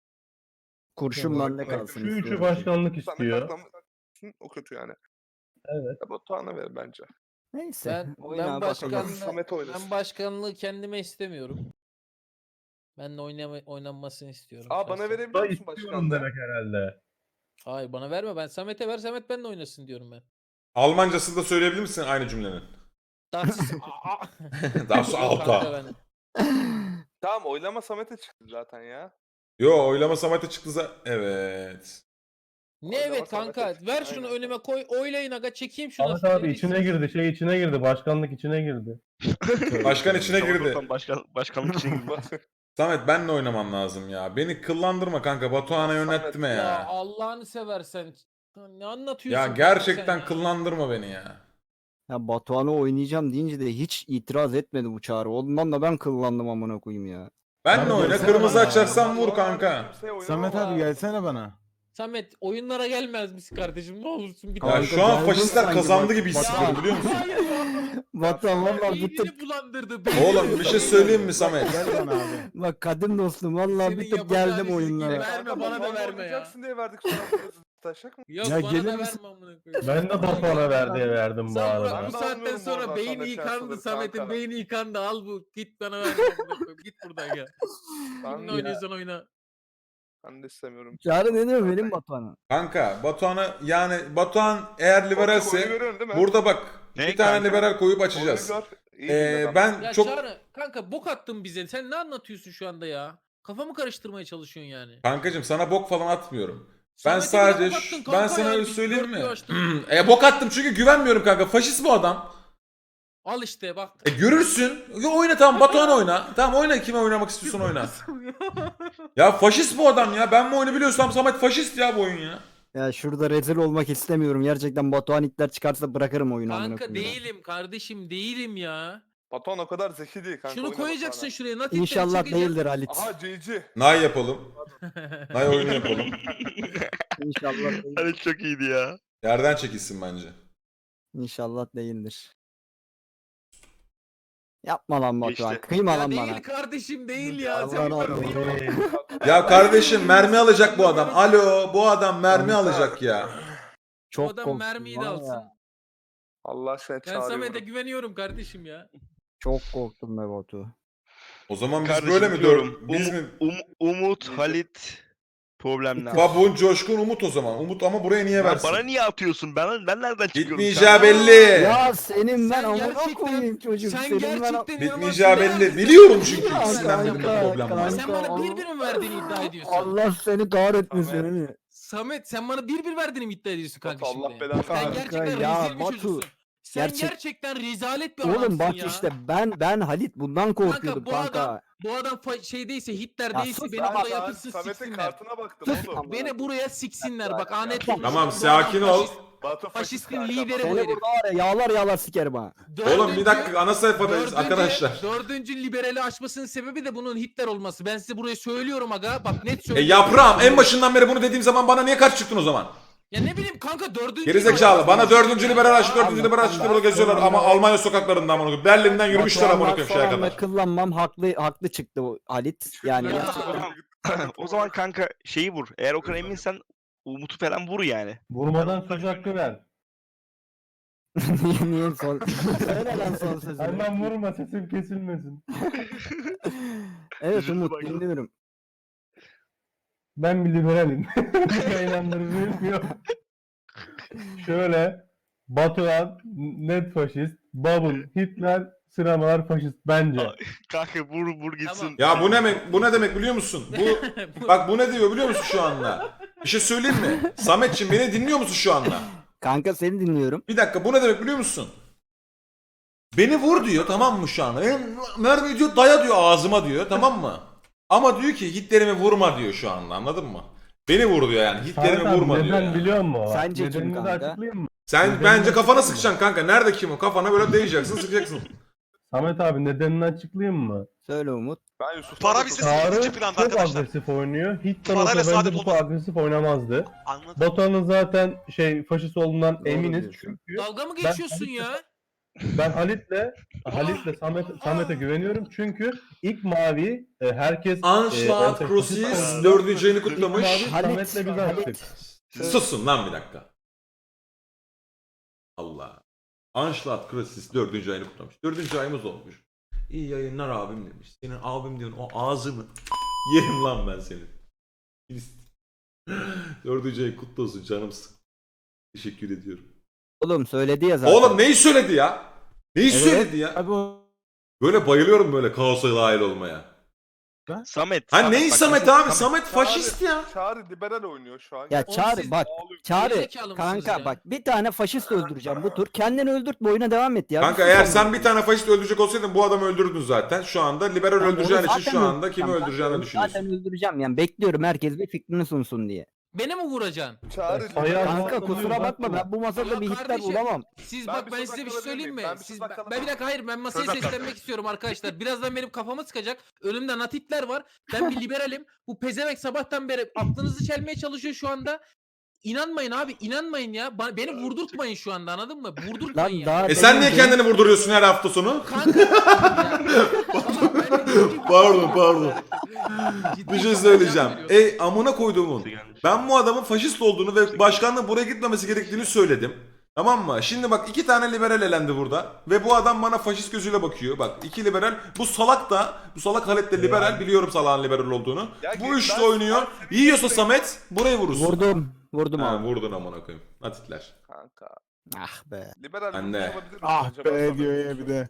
Speaker 5: Kurşun
Speaker 7: Tamam.
Speaker 5: bende kalsın
Speaker 7: Şu üçü
Speaker 5: istiyorum.
Speaker 7: başkanlık
Speaker 2: Samet
Speaker 7: istiyor.
Speaker 2: başkanlık o kötü yani.
Speaker 7: Evet.
Speaker 2: Ya Batuhan'a ver bence.
Speaker 5: Neyse.
Speaker 1: Ben
Speaker 5: oyuna
Speaker 1: ben
Speaker 5: bakalım.
Speaker 1: başkanlığı
Speaker 2: Samet oynasın.
Speaker 1: ben başkanlığı kendime istemiyorum. Ben de oynanmasını istiyorum.
Speaker 2: Aa bana
Speaker 1: şahsen.
Speaker 2: verebiliyor
Speaker 7: Da
Speaker 2: musun
Speaker 7: istiyorum
Speaker 2: başkanlığı?
Speaker 7: demek herhalde.
Speaker 1: Hayır bana verme, ben Samet'e ver, Samet benimle oynasın diyorum ben.
Speaker 4: Almancasını da söyleyebilir misin aynı cümlenin?
Speaker 1: Das
Speaker 4: Das Auto.
Speaker 2: Tamam oylama Samet'e çıktı zaten ya.
Speaker 4: Yo oylama Samet'e çıktı evet.
Speaker 1: Ne
Speaker 2: Oynama
Speaker 1: evet
Speaker 2: Samet'e
Speaker 1: kanka,
Speaker 2: çıktı,
Speaker 1: ver şunu
Speaker 2: aynen.
Speaker 1: önüme koy, oylayın aga, çekeyim şunu.
Speaker 7: Ahmet abi içine girdi. içine girdi. Başkanlık içine girdi.
Speaker 4: Başkan içine
Speaker 3: Tamam,
Speaker 4: girdi.
Speaker 3: tamam, başkanlık için girdi.
Speaker 4: Samet benle oynamam lazım ya. Beni kıllandırma kanka. Batuhan'a yöneltme
Speaker 1: Ya
Speaker 4: ya.
Speaker 1: Allah'ını seversen. Ne anlatıyorsun?
Speaker 4: Ya
Speaker 1: kanka
Speaker 4: gerçekten
Speaker 1: sen ya?
Speaker 4: kıllandırma beni ya.
Speaker 5: Ya Batuhan'ı oynayacağım deyince de hiç itiraz etmedi bu Çağrı. Ondan da ben kıllandım amına koyayım ya.
Speaker 4: Benle
Speaker 6: Abi
Speaker 4: oyna,
Speaker 6: gelsene
Speaker 4: kırmızı
Speaker 6: bana.
Speaker 4: açarsan vur
Speaker 2: Normalde
Speaker 4: kanka.
Speaker 2: kimseye oynamam
Speaker 6: Samet abi
Speaker 2: abi.
Speaker 6: gelsene bana.
Speaker 1: Samet oyunlara gelmez misin kardeşim, ne olursun bir
Speaker 4: Ya
Speaker 5: Kanka,
Speaker 4: şu an
Speaker 5: geldin
Speaker 4: faşistler
Speaker 5: sanki
Speaker 4: kazandı
Speaker 5: bak-
Speaker 4: gibi hissediyorum biliyor musun?
Speaker 1: Hayır ya.
Speaker 5: Batuhan valla bir tık
Speaker 1: Beynini bulandırdı. beynini
Speaker 4: Oğlum bir şey söyleyeyim mi Samet?
Speaker 6: Gel bana abi.
Speaker 5: bak kadim dostum valla
Speaker 1: Senin
Speaker 5: bir tık
Speaker 1: yapacağın
Speaker 5: geldim
Speaker 1: işi
Speaker 5: oyunlara.
Speaker 1: yine verme,
Speaker 2: Kanka,
Speaker 1: bana da
Speaker 2: Batuhan'la
Speaker 1: verme ya.
Speaker 2: oynayacaksın diye verdik sonra kırmızı taşak mı?
Speaker 1: Yok
Speaker 6: Ya
Speaker 1: bana
Speaker 6: gelir
Speaker 1: da
Speaker 6: misin?
Speaker 1: verme amına koyayım.
Speaker 7: Ben de Batuhan'a verdim bu
Speaker 1: Sen bırak,
Speaker 7: arada.
Speaker 1: bu
Speaker 2: Ben de
Speaker 1: saatten
Speaker 2: anlıyorum
Speaker 1: sonra
Speaker 2: oradan
Speaker 1: beyni
Speaker 2: Samet
Speaker 1: yıkandı,
Speaker 2: Şanslı'dır
Speaker 1: Samet'in
Speaker 2: kanka.
Speaker 1: beyni yıkandı, al bu, git bana ver amına koyayım. Git buradan ya.
Speaker 2: Ben
Speaker 1: Kimle
Speaker 2: de,
Speaker 1: oynuyorsan oyna.
Speaker 2: ben de istemiyorum.
Speaker 5: Çağrı ne diyor benim Batuhan'a?
Speaker 4: Kanka Batuhan'a yani Batuhan eğer
Speaker 2: Oyunu
Speaker 4: liberalse
Speaker 2: görüyorsun değil mi?
Speaker 4: burada bak
Speaker 3: Ne
Speaker 4: bir tane
Speaker 3: kanka?
Speaker 4: liberal koyup
Speaker 2: Oyunu
Speaker 4: açacağız.
Speaker 2: gör. İyi dinle bak.
Speaker 4: Ben
Speaker 1: Ya
Speaker 4: çok
Speaker 1: Çağrı kanka, bok attın bize. Sen ne anlatıyorsun şu anda ya? Kafamı karıştırmaya çalışıyorsun yani.
Speaker 4: kankacım sana bok falan atmıyorum. Ben
Speaker 1: Samet'e bile
Speaker 4: sadece
Speaker 1: bok attın
Speaker 4: ben
Speaker 1: kanka
Speaker 4: sana
Speaker 1: yani,
Speaker 4: öyle
Speaker 1: biz
Speaker 4: söyleyeyim mi?
Speaker 1: dörtlüğü açtık.
Speaker 4: Bok attım çünkü güvenmiyorum kanka. Faşist bu adam.
Speaker 1: Al işte bak.
Speaker 4: Görürsün. Oyna tamam, Batuhan oyna. Tamam oyna, kime oynamak istiyorsan oyna. Ya faşist bu adam ya. Ben mi oyunu biliyorsam Samet faşist ya bu oyun ya.
Speaker 5: Ya şurada rezil olmak istemiyorum. Gerçekten Batuhan itler çıkarsa bırakırım oyunu amına
Speaker 1: Kanka
Speaker 5: koyayım.
Speaker 1: değilim kardeşim, değilim ya.
Speaker 2: Batuhan o kadar zeki değil kanka.
Speaker 1: Şunu
Speaker 2: oyna
Speaker 1: koyacaksın
Speaker 2: Batuhan'a.
Speaker 1: şuraya. Natitleri
Speaker 5: İnşallah
Speaker 1: çekeceksin.
Speaker 5: değildir Halit.
Speaker 2: Aha CC.
Speaker 4: Nay yapalım. Nay oyunu yapalım.
Speaker 5: İnşallah değildir.
Speaker 3: Hani çok iyiydi ya.
Speaker 4: Yerden çekilsin bence.
Speaker 5: İnşallah değildir. Yapma lan Batuhan.
Speaker 3: Geçti.
Speaker 5: Kıyma
Speaker 1: Ya
Speaker 5: lan
Speaker 1: değil
Speaker 5: bana.
Speaker 1: kardeşim, değil ya.
Speaker 5: Allah
Speaker 1: Sen
Speaker 5: Allah.
Speaker 4: Ya kardeşim mermi alacak bu adam. Alo, bu adam mermi alacak ya.
Speaker 1: Bu
Speaker 5: Çok
Speaker 1: adam
Speaker 5: korktum
Speaker 1: mermiyi de
Speaker 5: var ya.
Speaker 1: alsın.
Speaker 2: Allah aşkına
Speaker 1: Ben
Speaker 2: çağırıyorum.
Speaker 1: Samet'e güveniyorum kardeşim ya.
Speaker 5: Çok korktum be Batu.
Speaker 4: O zaman biz
Speaker 3: Kardeşim
Speaker 4: böyle mi
Speaker 3: diyorum.
Speaker 4: Biz mi?
Speaker 3: Umut,
Speaker 2: Neyse.
Speaker 3: Halit problemler.
Speaker 4: Babun, Coşkun, Umut o zaman. Umut ama buraya niye
Speaker 3: Lan
Speaker 4: versin?
Speaker 3: bana niye atıyorsun? Ben nereden çıkıyorum?
Speaker 4: Bitmeyeceği
Speaker 3: şu an?
Speaker 4: belli.
Speaker 5: Ya senin ben
Speaker 1: Sen
Speaker 5: amına
Speaker 1: gerçekten-
Speaker 5: koyayım çocuk.
Speaker 1: Sen
Speaker 5: Senin ben
Speaker 1: gerçekten
Speaker 4: Bitmeyeceği
Speaker 1: inanılmaz
Speaker 4: belli.
Speaker 1: bir
Speaker 4: Biliyorum çünkü
Speaker 5: Ya
Speaker 4: ikisinden birinde
Speaker 5: kanka,
Speaker 4: problem var.
Speaker 1: Sen bana
Speaker 5: kanka,
Speaker 1: bir bir mi verdiğini iddia ediyorsun?
Speaker 5: Allah seni kahretmesin
Speaker 2: Samet.
Speaker 5: seni.
Speaker 1: Samet sen bana bir verdiğini mi iddia ediyorsun kanka
Speaker 2: Batu,
Speaker 1: şimdi?
Speaker 2: Allah belanı
Speaker 1: Sen
Speaker 2: versin.
Speaker 1: gerçekten
Speaker 5: Ya
Speaker 1: rezil bir
Speaker 5: Batu.
Speaker 1: çocuksun. Sen
Speaker 5: Gerçek-
Speaker 1: gerçekten rezalet bir adamsın
Speaker 5: Oğlum bak
Speaker 1: ya.
Speaker 5: işte ben Halit bundan korkuyordum
Speaker 1: bu
Speaker 5: kanka.
Speaker 1: adam şey değilse, Hitler
Speaker 5: Ya
Speaker 1: değilse
Speaker 5: sus
Speaker 1: beni
Speaker 5: lan.
Speaker 1: buraya
Speaker 2: Ben
Speaker 1: yatırsın
Speaker 2: Samet'in
Speaker 1: siksinler.
Speaker 2: kartına baktım
Speaker 5: Sus.
Speaker 2: oğlum.
Speaker 1: Beni buraya siksinler. Bak anet
Speaker 2: Ya.
Speaker 1: olmuş.
Speaker 4: Tamam,
Speaker 1: Bu adam
Speaker 4: sakin ol.
Speaker 2: Batu
Speaker 1: Faşistin
Speaker 2: kanka.
Speaker 1: lideri bu
Speaker 5: Seni
Speaker 1: herif.
Speaker 5: burada var ya yağlar sikerim ha.
Speaker 4: Oğlum bir dakika, ana sayfadayız arkadaşlar.
Speaker 1: Dördüncü liberali açmasının sebebi de bunun Hitler olması. Ben size buraya söylüyorum aga. Bak net söylüyorum.
Speaker 4: Yaprağım, en başından beri bunu dediğim zaman bana niye karşı çıktın o zaman?
Speaker 1: Ya ne bileyim kanka, dördüncü...
Speaker 4: Gerizekalı. Bana dördüncü liberal açtı, dördüncü
Speaker 5: Allah
Speaker 4: liberal açtı
Speaker 5: Allah.
Speaker 4: burada geziyorlar ama Almanya sokaklarında amına koyayım. Berlin'den yürümüşler amına koyayım şeye
Speaker 5: Batuhan'la
Speaker 4: kadar.
Speaker 5: kıllanmam haklı çıktı o Halit. Yani
Speaker 1: Ya.
Speaker 5: gerçekten.
Speaker 3: O zaman kanka şeyi vur. Eğer o kadar eminsen Umut'u falan vur yani.
Speaker 7: Vurmadan söz hakkı ver.
Speaker 5: niye son? Söyle lan son sözünü.
Speaker 7: Hemen vurma, sesim kesilmesin.
Speaker 5: Evet Umut dinliyorum.
Speaker 7: Ben bir liberalim. Eğlendirmeyi yok. Şöyle, Batuhan net faşist, Babun Hitler, sinemalar faşist bence.
Speaker 3: Kanka vur gitsin.
Speaker 4: Ya bu ne demek biliyor musun? Bak bu ne diyor biliyor musun şu anda? Bir şey söyleyeyim mi? Sametçim beni dinliyor musun şu anda?
Speaker 5: Kanka seni dinliyorum.
Speaker 4: Bir dakika, bu ne demek biliyor musun? Beni vur diyor, tamam mı şu anda? Mermi diyor, daya diyor ağzıma diyor, tamam mı? Ama diyor ki Hitler'imi vurma diyor şu anda, anladın mı? Beni vur diyor yani, Hitler'imi
Speaker 7: Samet abi,
Speaker 4: vurma diyor
Speaker 7: neden
Speaker 4: yani.
Speaker 7: biliyor musun? Bak,
Speaker 5: Sence kim
Speaker 7: nedenini de
Speaker 5: kanka?
Speaker 7: açıklayayım mı?
Speaker 4: Sen
Speaker 7: Nedenini
Speaker 4: bence kafana
Speaker 7: açıklayayım mı?
Speaker 4: sıkacaksın kanka. Nerede kim o? Kafana böyle değeceksin, sıkacaksın.
Speaker 7: Samet abi nedenini açıklayayım mı?
Speaker 5: Söyle Umut.
Speaker 2: Ben Yusuf.
Speaker 8: Para bizi
Speaker 7: Çağrı
Speaker 8: ikinci planda
Speaker 7: çok
Speaker 8: arkadaşlar.
Speaker 7: agresif oynuyor. Hitler
Speaker 8: Parayla
Speaker 7: olsa
Speaker 8: saadet
Speaker 7: bence bu kadar agresif oynamazdı.
Speaker 8: Anladım.
Speaker 7: Batuhan'ın zaten faşist olduğundan
Speaker 5: Doğru
Speaker 7: eminiz
Speaker 5: diyorsun.
Speaker 7: çünkü
Speaker 1: Dalga mı
Speaker 7: Ben-
Speaker 1: geçiyorsun ya?
Speaker 7: ben Halit'le Samet'e güveniyorum çünkü ilk mavi herkes
Speaker 4: Anschlag
Speaker 7: faşist
Speaker 4: Crucis
Speaker 7: olduğunda
Speaker 4: 4. ayını
Speaker 7: ilk
Speaker 4: kutlamış.
Speaker 7: mavi
Speaker 5: Halit,
Speaker 7: Samet'le biz
Speaker 5: Halit.
Speaker 7: açtık.
Speaker 4: Susun lan bir dakika. Allah. Anschlag Crucis 4. ayını kutlamış. 4. ayımız olmuş. İyi yayınlar abim demiş. Senin abim diyorsun o ağzını yerim lan ben senin. 4. ayın kutlu olsun canımsın. Teşekkür ediyorum.
Speaker 5: Oğlum söyledi ya zaten.
Speaker 4: Oğlum neyi söyledi ya? Neyi
Speaker 5: Evet.
Speaker 4: söyledi ya?
Speaker 6: Abi o
Speaker 4: Böyle bayılıyorum böyle kaosa dahil olmaya.
Speaker 3: Samet.
Speaker 4: Ha neyi
Speaker 3: bak,
Speaker 4: Samet
Speaker 3: mesela
Speaker 4: abi? Samet faşist ya.
Speaker 2: Çağrı liberal oynuyor şu an.
Speaker 5: Ya
Speaker 1: Oğlum
Speaker 5: Çağrı
Speaker 1: siz
Speaker 5: bak.
Speaker 2: Ağlıyor.
Speaker 5: Çağrı
Speaker 1: Gerizekalı mısınız
Speaker 5: kanka
Speaker 1: ya?
Speaker 5: bak bir tane faşist öldüreceğim bu tur. Kendini öldürtme oyuna devam et ya.
Speaker 4: Kanka
Speaker 5: Bir sus
Speaker 4: eğer
Speaker 5: oğlum.
Speaker 4: sen bir tane faşist öldürecek olsaydın bu adamı öldürdün zaten. Şu anda liberal
Speaker 5: Tamam,
Speaker 4: öldüreceğin
Speaker 5: onu
Speaker 4: için
Speaker 5: zaten
Speaker 4: şu anda kimi
Speaker 5: öldüreceğim.
Speaker 4: öldüreceğini
Speaker 5: Zaten
Speaker 4: düşünüyorsun.
Speaker 5: öldüreceğim yani bekliyorum herkes bir fikrini sunsun diye.
Speaker 1: Beni mi vuracaksın?
Speaker 2: Çağrı
Speaker 7: Ayağı-
Speaker 2: liberal.
Speaker 5: Kanka
Speaker 7: Allah'ım
Speaker 5: kusura
Speaker 7: uzatma.
Speaker 5: bakma ben bu masada
Speaker 1: Ya
Speaker 5: bir Hitler
Speaker 1: kardeşim,
Speaker 5: bulamam.
Speaker 1: Siz
Speaker 2: Ben
Speaker 1: bak
Speaker 2: bir
Speaker 1: ben
Speaker 2: söz
Speaker 1: size bir
Speaker 2: hakkı
Speaker 1: şey söyleyeyim mi?
Speaker 2: alabilir miyim? Ben bir
Speaker 1: Siz,
Speaker 2: söz hakkı
Speaker 1: ben
Speaker 2: alabilir
Speaker 1: bir dakika hayır ben masaya
Speaker 8: Söz hakkı.
Speaker 1: seslenmek istiyorum arkadaşlar. Birazdan benim kafama sıkacak. Önümde natitler var. Ben bir liberalim. Bu pezevenk sabahtan beri aklınızı çelmeye çalışıyor şu anda. İnanmayın abi, inanmayın ya. Beni vurdurtmayın şu anda, anladın mı? Vurdurtmayın
Speaker 5: Lan
Speaker 1: ya.
Speaker 5: daha
Speaker 4: Sen
Speaker 5: demin
Speaker 4: niye kendini vurduruyorsun her hafta sonu?
Speaker 1: Kanka. Tamam, ben de ciddi-
Speaker 4: Pardon.
Speaker 1: Ciddi
Speaker 4: Bir şey
Speaker 1: bir
Speaker 4: söyleyeceğim.
Speaker 1: cevap veriyorum.
Speaker 4: Amına koyduğumun. Ben bu adamın faşist olduğunu ve başkanlığın buraya gitmemesi gerektiğini söyledim. Tamam mı? Şimdi bak 2 tane liberal elendi burada. Ve bu adam bana faşist gözüyle bakıyor. Bak 2 liberal. Bu salak Halit de liberal. Biliyorum salağın liberal olduğunu.
Speaker 2: Ya
Speaker 4: Bu
Speaker 2: git
Speaker 4: üçlü
Speaker 2: lan,
Speaker 4: oynuyor.
Speaker 2: sen-
Speaker 4: Yiyorsa Samet burayı vurursun.
Speaker 5: Vurdum
Speaker 4: Ha,
Speaker 5: abi.
Speaker 4: vurdun amına koyayım. Atitler.
Speaker 2: Kanka.
Speaker 5: Ah be
Speaker 2: Liberal
Speaker 4: Ben de.
Speaker 2: olmuş olabilir mi
Speaker 6: ah
Speaker 2: acaba
Speaker 6: be
Speaker 2: Samet?
Speaker 6: diyor ya bir de.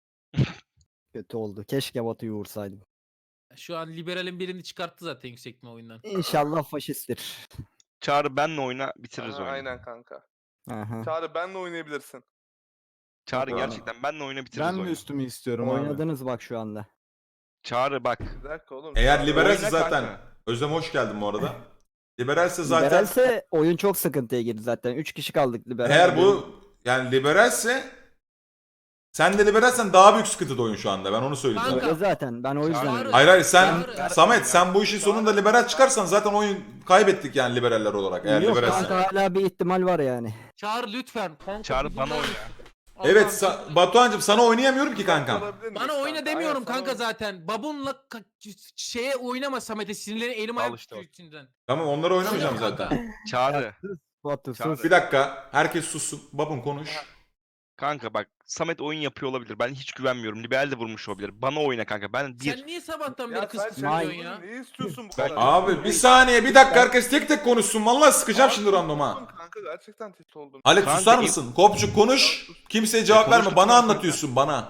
Speaker 5: kötü oldu. Keşke Batu'yu vursaydım.
Speaker 1: Şu an liberalin birini çıkarttı zaten yüksekme oyundan.
Speaker 5: İnşallah faşisttir.
Speaker 3: Çağrı benle oyna bitiririz
Speaker 2: Aha,
Speaker 3: oyunu.
Speaker 2: aynen kanka.
Speaker 5: Aha.
Speaker 2: Çağrı benle oynayabilirsin.
Speaker 3: Çağrı
Speaker 5: Tamam.
Speaker 3: gerçekten benle oyna bitiririz
Speaker 6: Ben mi
Speaker 3: oyunu.
Speaker 6: üstümü istiyorum abi?
Speaker 5: Oynadınız bak şu anda.
Speaker 3: Çağrı bak.
Speaker 2: Bir dakika oğlum.
Speaker 4: Eğer
Speaker 2: Çağrı-
Speaker 4: liberalse
Speaker 3: Oyna
Speaker 4: zaten.
Speaker 3: kanka.
Speaker 4: Özlem hoş geldin bu arada. Liberalse zaten.
Speaker 5: Liberalse oyun çok sıkıntıya girdi zaten. 3 kişi kaldık liberal.
Speaker 4: Eğer bu yani liberalse sen de liberalsen daha büyük sıkıntıda oyun şu anda. Ben onu söyleyeyim.
Speaker 1: Kanka.
Speaker 5: Öyle zaten. Ben o yüzden.
Speaker 1: Çağrı-
Speaker 4: Hayır hayır sen
Speaker 1: Çağrı-
Speaker 4: Samet sen bu işin sonunda liberal çıkarsan zaten oyun kaybettik yani liberaller olarak eğer
Speaker 5: Yok
Speaker 4: liberalsen.
Speaker 5: kanka hala bir ihtimal var yani.
Speaker 1: Çağır lütfen. Kanka,
Speaker 3: Çağrı
Speaker 1: bir
Speaker 3: bana
Speaker 1: dinler
Speaker 3: oyna.
Speaker 1: misin?
Speaker 4: Evet
Speaker 1: Allah'ım.
Speaker 4: Batuhan'cığım sana oynayamıyorum ki kankam.
Speaker 2: Olabilir miyiz
Speaker 1: Bana oyna
Speaker 2: kanka?
Speaker 1: demiyorum
Speaker 2: Aynen,
Speaker 1: kanka
Speaker 2: sana-
Speaker 1: zaten. Babunla şeye oynama Samet'e, sinirlerini elim ayağım
Speaker 3: işte
Speaker 1: tutuyor içinden.
Speaker 4: Tamam onları oynamayacağım
Speaker 1: Tamam
Speaker 4: zaten.
Speaker 1: kanka.
Speaker 3: Çağrı.
Speaker 5: Batu
Speaker 3: Çağrı.
Speaker 5: sus.
Speaker 4: Bir dakika herkes sussun. Babun konuş.
Speaker 3: Kanka bak Samet oyun yapıyor olabilir. Ben hiç güvenmiyorum. Liberal de vurmuş olabilir. Bana oyna kanka. Ben bir.
Speaker 1: Sen niye sabahtan
Speaker 2: Ya
Speaker 1: beri
Speaker 2: sen
Speaker 1: kıskırtıyorsun
Speaker 2: şey
Speaker 1: ya?
Speaker 2: ne istiyorsun bu
Speaker 3: Ben-
Speaker 2: kadar?
Speaker 4: Abi bir saniye bir dakika herkes tek tek konuşsun. Vallahi sıkacağım şimdi randoma.
Speaker 2: Oğlum Kanka gerçekten tilt oldum.
Speaker 4: Halit
Speaker 3: Kanka,
Speaker 4: susar mısın? Kopçuk konuş. Kimseye cevap verme.
Speaker 3: konuştuk
Speaker 4: Bana
Speaker 3: kanka.
Speaker 4: anlatıyorsun bana.